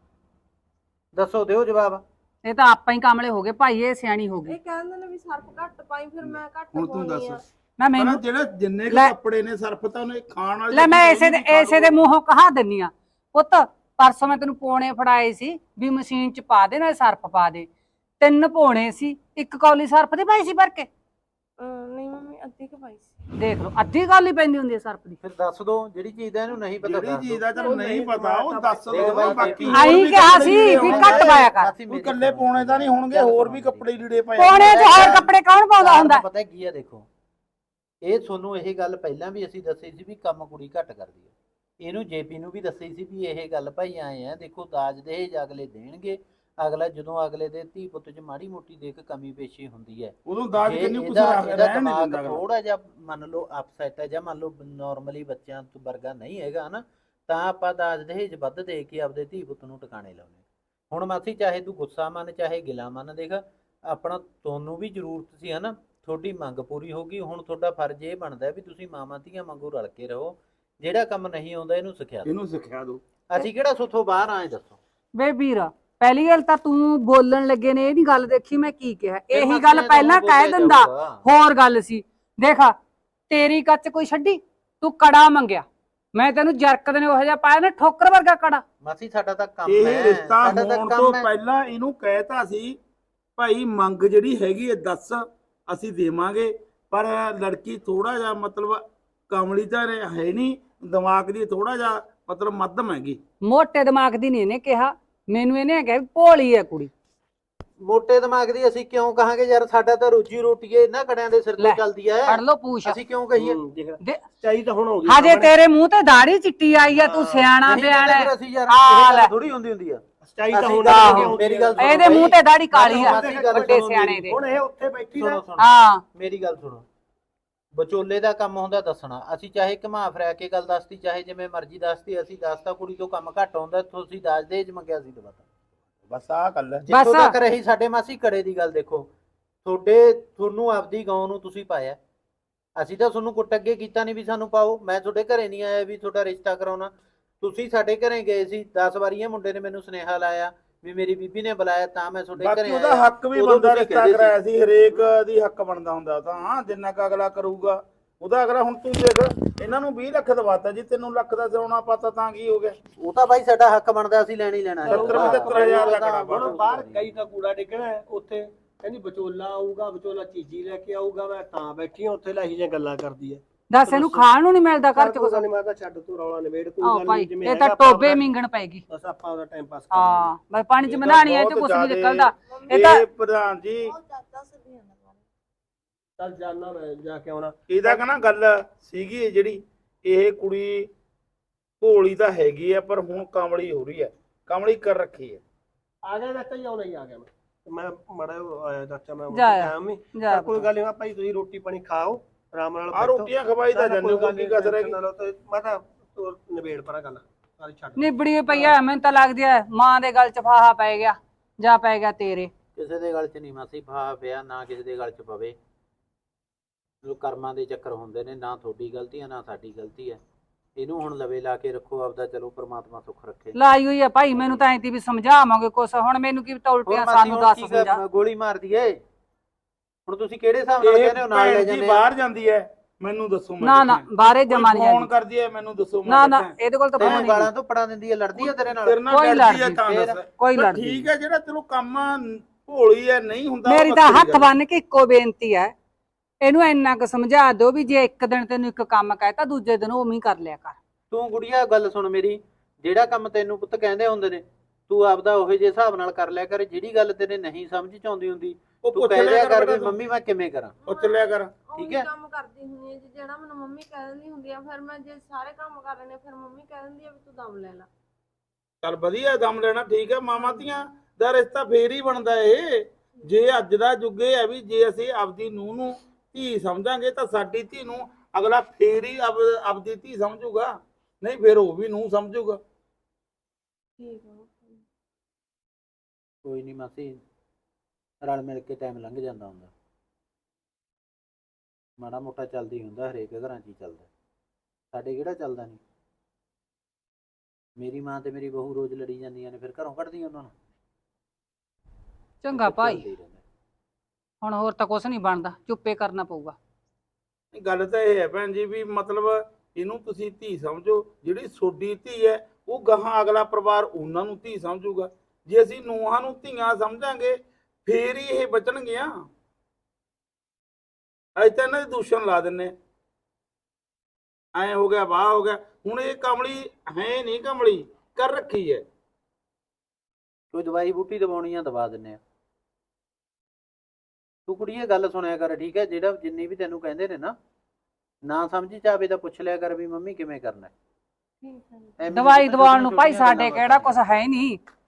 ਦੱਸੋ ਦਿਓ ਜਵਾਬ।
ਇਹ ਤਾਂ ਆਪਾਂ ਹੀ ਕਾਮਲੇ ਹੋ ਗਏ ਭਾਈ, ਇਹ ਸਿਆਣੀ ਹੋ ਗਈ।
ਇਹ ਕਹਿੰਦੇ ਨੇ ਵੀ ਸਰਫ ਘੱਟ ਪਾਈ, ਫਿਰ ਮੈਂ ਘੱਟ
ਹੁਣ ਤੂੰ
ਪਾਉਣੀ ਆ।
ਦੱਸ
ਨਾ
ਪਰ
ਮੈਨੂੰ
ਜਿਹੜਾ ਜਿੰਨੇ ਕੁ
ਲੈ-
ਕੱਪੜੇ ਨੇ ਸਰਫ ਤਾਂ ਉਹਨੇ ਖਾਣ ਵਾਲੇ
ਲੈ ਮੈਂ
ਤਾਂ
ਇਸੇ ਦੇ
ਉਹਨੂੰ ਖਾ
ਇਸੇ ਦੇ ਮੂੰਹੋਂ ਕਹਾ ਦਿੰਨੀ ਆ ਪੁੱਤ, ਪਰਸੋਂ ਮੈਂ ਤੈਨੂੰ ਪੋਣੇ ਫੜਾਏ ਸੀ ਵੀ ਮਸ਼ੀਨ ਚ ਪਾ ਦੇ ਨਾਲ ਸਰਫ ਪਾ ਦੇ। ਤਿੰਨ ਪੋਣੇ ਸੀ, ਇੱਕ ਕੌਲੀ ਸਰਫ ਦੀ ਪਾਈ ਸੀ ਭਰ ਕੇ।
ਅਹ ਨਹੀਂ ਮੰਮੀ ਅੱਧੀ ਕੁ ਪਾਈ ਸੀ।
ਦੇਖ ਲਓ ਅੱਧੀ ਗੱਲ ਹੀ ਪੈਂਦੀ ਹੁੰਦੀ ਹੈ ਸਰਫ ਦੀ।
ਫਿਰ ਦੱਸ ਦੋ ਜਿਹੜੀ ਚੀਜ਼ ਦਾ ਇਹਨੂੰ ਨਹੀਂ ਪਤਾ।
ਜਿਹੜੀ
ਦੱਸ
ਚੀਜ਼
ਦਿਓ।
ਦਾ ਚਲ ਨਹੀਂ ਪਤਾ ਉਹ ਦੱਸ
ਦੇਖ
ਦੋ,
ਬਾਈ,
ਬਾਕੀ
ਆਈ
ਹੋਰ ਵੀ
ਕਿਹਾ
ਕੱਪੜੇ
ਸੀ
ਲੀੜੇ
ਵੀ
ਹੋਣਗੇ।
ਘੱਟ ਪਾਇਆ ਕਰ।
ਮਾਸੀ
ਕੋਈ
ਮੇਰੀ
ਇਕੱਲੇ
ਗੱਲ
ਪਾਉਣੇ ਤਾਂ ਨਹੀਂ ਹੋਣਗੇ,
ਗੱਲ
ਹੋਰ
ਸੁਣੋ
ਵੀ
ਮੇਰੀ।
ਕੱਪੜੇ ਲੀੜੇ ਪਏ
ਪੋਣੇ ਚ ਹੋਰ ਕੱਪੜੇ ਕੌਣ ਪਾਉਂਦਾ ਹੁੰਦਾ?
ਪਤਾ ਕੀ ਆ ਦੇਖੋ, ਇਹ ਤੁਹਾਨੂੰ ਇਹ ਗੱਲ ਪਹਿਲਾਂ ਵੀ ਅਸੀਂ ਦੱਸੀ ਸੀ ਵੀ ਕੰਮ ਕੁੜੀ ਘੱਟ ਕਰਦੀ ਹੈ। ਇਹਨੂੰ ਜੇਪੀ ਨੂੰ ਵੀ ਦੱਸੀ ਸੀ ਵੀ ਇਹ ਗੱਲ ਭਾਈ ਆਏ ਆ, ਦੇਖੋ ਦਾਜ ਦਹੇਜ ਅਗਲੇ ਦੇਣਗੇ, ਅਗਲਾ ਜਦੋਂ ਅਗਲੇ ਦੇ ਧੀ ਪੁੱਤ 'ਚ ਮਾੜੀ ਮੋਟੀ ਦੇਖ ਕਮੀ ਪੇਸ਼ੀ ਹੁੰਦੀ ਹੈ,
ਉਦੋਂ ਦਾਜ
ਜੇ
ਕਿੰਨੀ ਕੁਛ
ਇਹਦਾ
ਰਹਿਣ
ਇਹਦਾ
ਨਹੀਂ
ਦਿਮਾਗ
ਦਿੰਦਾ ਅਗਲਾ।
ਥੋੜਾ ਜਿਹਾ ਮੰਨ ਲਓ ਅਪਸੈਟ ਹੈ, ਜਾਂ ਮੰਨ ਲਓ ਨਾਰਮਲੀ ਬੱਚਿਆਂ ਤੋਂ ਵਰਗਾ ਨਹੀਂ ਹੈਗਾ ਨਾ, ਤਾਂ ਆਪਾਂ ਦਾਜ ਦਹੇਜ ਵੱਧ ਦੇ ਕੇ ਆਪਦੇ ਧੀ ਪੁੱਤ ਨੂੰ ਟਿਕਾਣੇ ਲਾਉਣੇ। ਹੁਣ ਮਾਸੀ ਚਾਹੇ ਤੂੰ ਗੁੱਸਾ ਮੰਨ ਚਾਹੇ ਗਿਲਾ ਮੰਨ, ਦੇਖ ਆਪਣਾ ਤੁਹਾਨੂੰ ਵੀ ਜ਼ਰੂਰਤ ਸੀ ਹਨਾ, ਤੁਹਾਡੀ ਮੰਗ ਪੂਰੀ ਹੋ ਗਈ। ਹੁਣ ਤੁਹਾਡਾ ਫਰਜ਼ ਇਹ ਬਣਦਾ ਵੀ ਤੁਸੀਂ ਮਾਵਾਂ ਧੀਆਂ ਵਾਂਗੂ ਰਲ ਕੇ ਰਹੋ, ਜਿਹੜਾ ਕੰਮ ਨਹੀਂ ਆਉਂਦਾ ਇਹਨੂੰ ਸਿਖਿਆ ਦਿਓ।
ਇਹਨੂੰ ਸਿੱਖਿਆ ਦੋ।
ਅਸੀਂ ਕਿਹੜਾ ਸੁੱਥੋਂ ਬਾਹਰ ਆਏ ਦੱਸੋ।
ਵੇ ਵੀਰ ਪਹਿਲੀ ਗੱਲ ਤਾਂ ਤੂੰ ਬੋਲਣ ਲੱਗੇ ਨੇ ਇਹ ਨਹੀਂ ਗੱਲ ਦੇਖੀ ਮੈਂ ਕੀ ਕਿਹਾ,
ਫਿਰ
ਇਹੀ
ਮਾਸੀ
ਗੱਲ
ਨੇ ਤਾਂ
ਪਹਿਲਾਂ
ਬੋਲਿਆ
ਕਹਿ ਦਿੰਦਾ
ਜਾਊਗਾ।
ਹੋਰ ਗੱਲ ਸੀ। ਦੇਖ ਤੇਰੀ ਕੱਚ ਕੋਈ ਛੱਡੀ, ਤੂੰ ਕੜਾ ਮੰਗਿਆ, ਮੈਂ ਤੈਨੂੰ ਜਰਕਦ ਨੇ ਉਹੋ ਜਿਹਾ ਪਾਇਆ ਨਾ ਠੋਕਰ ਵਰਗਾ ਕੜਾ।
ਮਾਸੀ ਸਾਡਾ ਤਾਂ ਕੰਮ
ਇਹ
ਹੈ,
ਰਿਸ਼ਤਾ
ਸਾਡਾ ਤਾਂ
ਹੋਣ
ਕੰਮ
ਤੋਂ
ਹੈ।
ਪਹਿਲਾਂ ਇਹਨੂੰ ਕਹਿਤਾ ਸੀ ਭਾਈ ਮੰਗ ਜਿਹੜੀ ਹੈਗੀ ਹੈ ਦੱਸ ਅਸੀਂ ਦੇਵਾਂਗੇ, ਪਰ ਲੜਕੀ ਥੋੜਾ ਜਿਹਾ ਮਤਲਬ ਕਮਲੀ ਤਾਂ ਹੈ ਨਹੀਂ, ਦਿਮਾਗ ਦੀ ਥੋੜਾ ਜਿਹਾ ਮਤਲਬ ਮੱਧਮ ਹੈਗੀ।
ਮੋਟੇ ਦਿਮਾਗ ਦੀ ਨਹੀਂ ਇਹਨੇ ਕਿਹਾ ਮੈਨੂੰ, ਇਹਨੇ ਕਿਹਾ ਵੀ ਭੋਲੀ ਹੈ ਕੁੜੀ।
ਮੋਟੇ ਦਿਮਾਗ ਦੀ ਅਸੀਂ ਕਿਉਂ ਕਹਾਂਗੇ ਯਾਰ, ਸਾਡਾ ਤਾਂ ਰੋਜੀ ਰੋਟੀ ਏ ਇਹਨਾਂ ਕੜਿਆਂ ਦੇ ਸਿਰ
ਲੈ,
ਤੇ ਚੱਲਦੀ ਐ,
ਫੜ ਲੋ ਪੂਛ।
ਅਸੀਂ ਕਿਉਂ ਕਹੀਏ?
ਹੂੰ, ਦੇਖ
ਦੇ-
ਚਾਹੀ ਤਾਂ ਹੁਣ ਆਉਂਦੀ
ਹਜੇ
ਸਾਹਮਣੇ।
ਤੇਰੇ ਮੂੰਹ ਤੇ ਦਾੜੀ ਚਿੱਟੀ ਆਈ ਆ, ਤੂੰ ਸਿਆਣਾ
ਨਹੀਂ
ਬਿਆਣਾ
ਫਿਰ ਅਸੀਂ ਯਾਰ
ਆ
ਇਹ
ਲੈ।
ਗੱਲ ਥੋੜੀ ਹੁੰਦੀ ਹੁੰਦੀ ਆ।
ਸੱਚਾਈ ਤਾਂ
ਅਸੀਂ
ਹੁਣ
ਤਾਂ
ਆਉਂਦੀ
ਆਹੋ,
ਹੁੰਦੀ
ਮੇਰੀ ਗੱਲ
ਆ।
ਇਹਦੇ ਮੂੰਹ ਤੇ ਦਾੜੀ ਕਾਲੀ ਆ,
ਮਾਸੀ ਗੱਲ
ਵੱਡੇ
ਸੁਣੋ
ਸਿਆਣੇ
ਮੇਰੀ।
ਦੇ।
ਹੁਣ ਇਹ ਉੱਥੇ ਬੈਠੀ
ਸੁਣੋ
ਨਾ
ਸੁਣੋ
ਹਾਂ
ਮੇਰੀ ਗੱਲ ਸੁਣੋ, ਵਿਚੋਲੇ ਦਾ ਕੰਮ ਹੁੰਦਾ ਦੱਸਣਾ। ਅਸੀਂ ਚਾਹੇ ਘੁਮਾ ਫਿਰਾ ਕੇ ਗੱਲ ਦੱਸਤੀ, ਚਾਹੇ ਜਿਵੇਂ ਮਰਜ਼ੀ ਦੱਸਤੀ, ਅਸੀਂ ਦੱਸਤਾ ਕੁੜੀ ਤੋਂ ਕੰਮ ਘੱਟ ਆਉਂਦਾ, ਤੁਸੀਂ ਦੱਸ ਦੇਜ ਮੰਗਿਆ ਸੀ ਦਵਾਤਾ।
ਬਸ ਆਹ ਗੱਲ ਹੈ।
ਜਿੱਥੋਂ ਤੱਕ ਰਹੀ ਸਾਡੇ ਮਾਸੀ ਕੜੇ ਦੀ ਗੱਲ, ਦੇਖੋ ਤੁਹਾਡੇ ਤੁਹਾਨੂੰ ਆਪਦੀ ਗਾਉਂ ਨੂੰ ਤੁਸੀਂ ਪਾਇਆ, ਅਸੀਂ ਤਾਂ ਤੁਹਾਨੂੰ ਕੁੱਟ ਅੱਗੇ ਕੀਤਾ ਨਹੀਂ ਵੀ ਸਾਨੂੰ ਪਾਓ। ਮੈਂ ਤੁਹਾਡੇ ਘਰੇ ਨਹੀਂ ਆਇਆ ਵੀ ਤੁਹਾਡਾ ਰਿਸ਼ਤਾ ਕਰਾਉਣਾ, ਤੁਸੀਂ ਸਾਡੇ ਘਰੇ ਗਏ ਸੀ ਦਸ ਵਾਰੀ। ਇਹ ਮੁੰਡੇ ਨੇ ਮੈਨੂੰ ਸੁਨੇਹਾ ਲਾਇਆ ਵੀ ਮੇਰੀ ਬੀਬੀ ਨੇ ਬੁਲਾਇਆ ਤਾਂ ਮੈਂ ਤੁਹਾਡੇ
ਬਾਕੀ
ਘਰੇ
ਉਹਦਾ
ਆਇਆ।
ਹੱਕ ਵੀ
ਉਦੋਂ
ਬੰਦਾ
ਤੁਸੀਂ
ਰਿਸ਼ਤਾ
ਕਹਿੰਦੇ ਸੀ।
ਕਰਾਇਆ ਸੀ, ਹਰੇਕ ਦੀ ਹੱਕ ਬਣਦਾ ਹੁੰਦਾ ਤਾਂ ਹਾਂ, ਜਿੰਨਾ ਕ ਅਗਲਾ ਕਰੂਗਾ ਉਹਦਾ ਅਗਲਾ। ਹੁਣ ਤੂੰ ਦੇਖ ਇਹਨਾਂ ਨੂੰ ਵੀਹ ਲੱਖ ਦਵਾਤਾ ਜੀ, ਤੈਨੂੰ ਲੱਖ ਦਾ ਸੋਨਾ ਪਾਤਾ ਤਾਂ ਕੀ ਹੋ ਗਿਆ?
ਉਹ ਤਾਂ ਬਾਈ ਸਾਡਾ ਹੱਕ ਬਣਦਾ, ਅਸੀਂ ਲੈਣ ਹੀ ਲੈਣਾ।
ਸੱਤਰ ਪਝੱਤਰ ਹਜ਼ਾਰ ਦਾ ਕੜਾ
ਹੁਣ ਬਾਹਰ ਕਈ ਤਾਂ ਕੂੜਾ ਡਿੱਗਣਾ ਹੈ, ਉੱਥੇ ਕਹਿੰਦੀ ਵਿਚੋਲਾ ਆਊਗਾ, ਵਿਚੋਲਾ ਚੀਜ਼ੀ ਲੈ ਕੇ ਆਊਗਾ, ਮੈਂ ਤਾਂ ਬੈਠੀ ਹਾਂ ਉੱਥੇ, ਲੈ ਹੀ ਜਾਂ ਗੱਲਾਂ ਕਰਦੀ ਹੈ।
ਦੱਸ ਇਹਨੂੰ ਖਾਣ ਨੂੰ ਨਹੀਂ ਮਿਲਦਾ ਘਰ ਚ
ਕੋਈ
ਕੁਛ?
ਗੱਲ ਨਹੀਂ, ਮੈਂ ਤਾਂ ਛੱਡ ਤੂੰ ਰੌਲਾ ਨਿਬੇੜ, ਕੋਈ
ਆਹ
ਗੱਲ
ਭਾਈ
ਨਹੀਂ, ਜਿਵੇਂ
ਇਹ ਤਾਂ
ਹੈਗਾ ਆਪਾਂ
ਟੋਬੇ
ਆਪਦਾ-
ਮਿੰਗਣ ਪੈਗੀ।
ਬਸ ਆਪਾਂ ਉਹਦਾ ਟਾਈਮ ਪਾਸ ਕਰ
ਹਾਂ ਬਸ ਪਾਣੀ ਚ
ਇਹ ਤਾਂ
ਮਨਾਣੀ ਐ ਤੇ
ਬਹੁਤ
ਕੁਛ ਨਹੀਂ
ਜ਼ਿਆਦੇ-
ਨਿਕਲਦਾ। ਇਹ ਤਾਂ
ਇਹ ਪ੍ਰਧਾਨ ਜੀ
ਚੱਲ ਜਾਣਾ, ਮੈਂ ਜਾ ਕੇ ਆਉਣਾ।
ਇਹਦਾ ਕਹਣਾ ਗੱਲ ਸੀਗੀ ਜਿਹੜੀ, ਇਹ ਕੁੜੀ ਭੋਲੀ ਤਾਂ ਹੈਗੀ ਆ ਪਰ ਹੁਣ ਕਮਲੀ ਹੋ ਰਹੀ ਹੈ, ਕਮਲੀ ਕਰ ਰੱਖੀ ਹੈ।
ਆ ਗਿਆ ਚਾਚਾ ਜੀ, ਆਉਣਾ ਹੀ ਆ ਗਿਆ ਮੈਂ। ਮੈਂ ਮੜਾ ਆਇਆ ਚਾਚਾ, ਮੈਂ
ਜਾ ਆ।
ਟਾਈਮ ਹੀ
ਜਾ
ਕੋਈ ਗੱਲ ਨਹੀਂ ਭਾਈ, ਤੁਸੀਂ ਰੋਟੀ ਪਾਣੀ ਖਾਓ ਆਰਾਮ ਨਾਲ।
ਆ ਰੋਟੀਆਂ ਖਵਾਈ ਤਾਂ ਜਾਂਦੇ ਹੋ, ਕੀ ਕਸਰ ਹੈਗੀ?
ਮੈਂ ਤਾਂ ਤੂੰ ਨਿਬੇੜ ਪਰਾਂ ਗੱਲ ਸਾਰੀ ਛੱਡ।
ਨਿਬੜੀ ਪਈ ਐ, ਮੈਨੂੰ ਤਾਂ ਲੱਗਦੀ ਐ ਮਾਂ ਦੇ ਗਲ ਚ ਫਾਹਾ ਪੈ ਗਿਆ ਜਾਂ ਪੈ ਗਿਆ ਤੇਰੇ।
ਕਿਸੇ ਦੇ ਗੱਲ 'ਚ ਨਹੀਂ ਮਾਸੀ ਫਾਹਾ ਪਿਆ, ਨਾ ਕਿਸੇ ਦੇ ਗੱਲ 'ਚ ਪਵੇ। ਜੋ ਕਰਮਾਂ ਦੇ ਚੱਕਰ ਹੁੰਦੇ ਨੇ, ਨਾ ਤੁਹਾਡੀ ਗਲਤੀ ਹੈ ਨਾ ਸਾਡੀ ਗਲਤੀ ਹੈ। ਇਹਨੂੰ ਹੁਣ ਲਵੇ ਲਾ ਕੇ ਰੱਖੋ ਆਪਦਾ, ਚਲੋ ਪ੍ਰਮਾਤਮਾ ਸੁੱਖ ਰੱਖੇ।
ਲਾਈ ਹੋਈ ਆ ਭਾਈ, ਮੈਨੂੰ ਤਾਂ ਐਂ ਤੀ ਵੀ ਸਮਝਾਵਾਂਗੇ ਕੁਛ, ਹੁਣ ਮੈਨੂੰ ਕੀ ਪਤਾ ਉਲਟੀਆਂ ਸਾਨੂੰ ਦੱਸ ਸਮਝਾ।
ਗੋਲੀ ਮਾਰਦੀ ਏ ਹੁਣ, ਤੁਸੀਂ ਕਿਹੜੇ ਹਿਸਾਬ ਨਾਲ ਕਹਿੰਦੇ ਹੋ ਨਾਲ ਲੈ
ਭੈਣ ਜੀ
ਜਾਂਦੇ?
ਬਾਹਰ ਜਾਂਦੀ ਹੈ, ਮੈਨੂੰ ਦੱਸੋ। ਮੈਂ
ਨਾ ਨਾ
ਦੇਖਾਂ।
ਬਾਹਰੇ
ਕੋਈ
ਜਮਾ ਨਹੀਂ
ਫੋਨ
ਆਈ।
ਕਰਦੀ ਹੈ, ਮੈਨੂੰ ਦੱਸੋ। ਮੈਂ
ਨਾ ਨਾ
ਦੇਖਾਂ।
ਇਹਦੇ ਕੋਲ ਤਾਂ
ਤੈਨੂੰ
ਫੋਨ
ਗਾਲਾਂ
ਨਹੀਂ।
ਤੋਂ ਪੜਾ ਦਿੰਦੀ ਹੈ, ਲੜਦੀ ਹੈ ਤੇਰੇ ਨਾਲ?
ਤੇਰੇ ਨਾਲ
ਕੋਈ
ਲੜਦੀ ਹੈ
ਲੜਦੀ,
ਤਾਂ
ਫੇਰ
ਦੱਸ।
ਕੋਈ
ਪਰ
ਲੜਦੀ
ਠੀਕ ਹੈ, ਜਿਹੜਾ ਚਲੋ ਕੰਮ ਭੋਲੀ ਹੈ ਨਹੀਂ ਹੁੰਦਾ ਉਹ
ਮੇਰੀ ਤਾਂ
ਵੱਖਰੀ
ਹੱਥ
ਗੱਲ ਹੈ।
ਬੰਨ ਕੇ ਇੱਕੋ ਬੇਨਤੀ ਹੈ, ਇਹਨੂੰ ਇੰਨਾ ਕੁ ਸਮਝਾ ਦਿਓ ਵੀ ਜੇ ਇੱਕ ਦਿਨ ਤੈਨੂੰ ਇੱਕ ਕੰਮ ਕਹਿਤਾ ਦੂਜੇ ਦਿਨ ਉਵੇਂ ਹੀ ਕਰ ਲਿਆ ਕਰ।
ਤੂੰ ਗੁੜੀਆ ਗੱਲ ਸੁਣ ਮੇਰੀ, ਜਿਹੜਾ ਕੰਮ ਤੈਨੂੰ ਪੁੱਤ ਕਹਿੰਦੇ ਹੁੰਦੇ ਨੇ, ਤੂੰ ਆਪਦਾ ਉਹੇ ਜਿਹੇ ਹਿਸਾਬ ਨਾਲ ਕਰ ਲਿਆ ਕਰ। ਜਿਹੜੀ ਗੱਲ ਤੇਰੇ ਨਹੀਂ ਸਮਝ ਚ ਆਉਂਦੀ ਹੁੰਦੀ,
ਉਹ
ਤੂੰ
ਪੁੱਛ
ਕਹਿ
ਲਿਆ
ਲਿਆ
ਕਰ
ਕਰ
ਬੇਟਾ
ਵੀ
ਤੂੰ।
ਮੰਮੀ ਮੈਂ ਕਿਵੇਂ ਕਰਾਂ।
ਪੁੱਛ ਲਿਆ ਕਰ।
ਠੀਕ ਹੈ।
ਕੰਮ ਕਰਦੀ ਹੁੰਦੀ ਹੈ ਜੀ, ਜਿਹੜਾ ਮੈਨੂੰ ਮੰਮੀ ਕਹਿ ਦਿੰਦੀ ਹੁੰਦੀ ਆ, ਫਿਰ ਮੈਂ ਜੇ ਸਾਰੇ ਕੰਮ ਕਰ ਲੈਣੇ ਫਿਰ ਮੰਮੀ ਕਹਿ ਦਿੰਦੀ ਆ ਵੀ ਤੂੰ ਦਮ ਲੈ ਲੈ।
ਚੱਲ ਵਧੀਆ, ਦਮ ਲੈਣਾ ਠੀਕ ਹੈ। ਮਾਮਾ ਧੀਆਂ ਦਾ ਰਿਸ਼ਤਾ ਫੇਰ ਹੀ ਬਣਦਾ ਏ। ਜੇ ਅੱਜ ਦਾ ਯੁੱਗ ਇਹ ਹੈ ਵੀ ਜੇ ਅਸੀਂ ਆਪਦੀ ਨੂੰਹ ਨੂੰ ਧੀ ਸਮਝਾਂਗੇ ਤਾਂ ਸਾਡੀ ਧੀ ਨੂੰ ਅਗਲਾ ਫੇਰ ਹੀ ਆਪ- ਆਪਦੀ ਧੀ ਸਮਝੂਗਾ, ਨਹੀਂ ਫੇਰ ਉਹ ਵੀ ਨੂੰਹ ਸਮਝੂਗਾ।
ਠੀਕ ਆ।
ਕੋਈ ਨਹੀਂ ਮਾਸੀ, ਰਲ ਮਿਲ ਕੇ ਟਾਈਮ ਲੰਘ ਜਾਂਦਾ ਹੁੰਦਾ, ਮਾੜਾ ਮੋਟਾ ਚੱਲਦੀ ਹੁੰਦਾ, ਹਰੇਕ ਘਰਾਂ 'ਚ ਹੀ ਚੱਲਦਾ। ਸਾਡੇ ਕਿਹੜਾ ਚੱਲਦਾ ਨਹੀਂ? ਮੇਰੀ ਮਾਂ ਤੇ ਮੇਰੀ ਬਹੂ ਰੋਜ਼ ਲੜੀ ਜਾਂਦੀਆਂ ਨੇ, ਫਿਰ ਘਰੋਂ ਕੱਢਦੀਆਂ ਉਹਨਾਂ ਨੂੰ।
ਚੰਗਾ ਭਾਈ,
ਚੱਲਦਾ ਹੀ ਰਹਿੰਦਾ।
ਹੁਣ ਹੋਰ ਤਾਂ ਕੁਛ ਨਹੀਂ ਬਣਦਾ, ਚੁੱਪੇ ਕਰਨਾ ਪਊਗਾ।
ਗੱਲ ਤਾਂ ਇਹ ਹੈ ਭੈਣ ਜੀ ਵੀ ਮਤਲਬ ਇਹਨੂੰ ਤੁਸੀਂ ਧੀ ਸਮਝੋ, ਜਿਹੜੀ ਤੁਹਾਡੀ ਧੀ ਹੈ ਉਹ ਗਾਹਾਂ ਅਗਲਾ ਪਰਿਵਾਰ ਉਹਨਾਂ ਨੂੰ ਧੀ ਸਮਝੂਗਾ। ਜੇ ਅਸੀਂ ਨੂੰਹਾਂ ਨੂੰ ਧੀਆਂ ਸਮਝਾਂਗੇ ਫੇਰ ਹੀ ਇਹ ਬਚਣਗੀਆਂ। ਅੱਜ ਤਾਂ ਇਹਨਾਂ ਦੇ ਦੂਸ਼ਣ ਲਾ ਦਿੰਨੇ, ਐ ਹੋ ਗਿਆ ਵਾਹ ਹੋ ਗਿਆ। ਹੁਣ ਇਹ ਕਮਲੀ ਹੈ ਨਹੀਂ, ਕਮਲੀ ਕਰ ਰੱਖੀ ਹੈ।
ਕੋਈ ਦਵਾਈ ਬੂਟੀ ਦਵਾਉਣੀ ਆ ਦਵਾ ਦਿੰਨੇ ਆ। ਤੂੰ ਕੁੜੀਏ ਗੱਲ ਸੁਣਿਆ ਕਰ, ਠੀਕ ਹੈ? ਜਿਹੜਾ ਜਿੰਨੀ ਵੀ ਤੈਨੂੰ ਕਹਿੰਦੇ ਨੇ ਨਾ, ਨਾ ਸਮਝੀ ਚਾਵੇ ਤਾਂ ਪੁੱਛ ਲਿਆ ਕਰ ਵੀ ਮੰਮੀ ਕਿਵੇਂ ਕਰਨਾ।
ਠੀਕ ਹੈ ਜੀ।
ਐਵੇਂ
ਦਵਾਈ
ਛੋਟੀਆਂ
ਦਵਾਉਣ ਨੂੰ ਭਾਈ
ਛੋਟੀਆਂ
ਸਾਡੇ
ਗੱਲਾਂ
ਕਿਹੜਾ
ਬਾਤਾਂ
ਕੁਛ ਹੈ ਨਹੀਂ,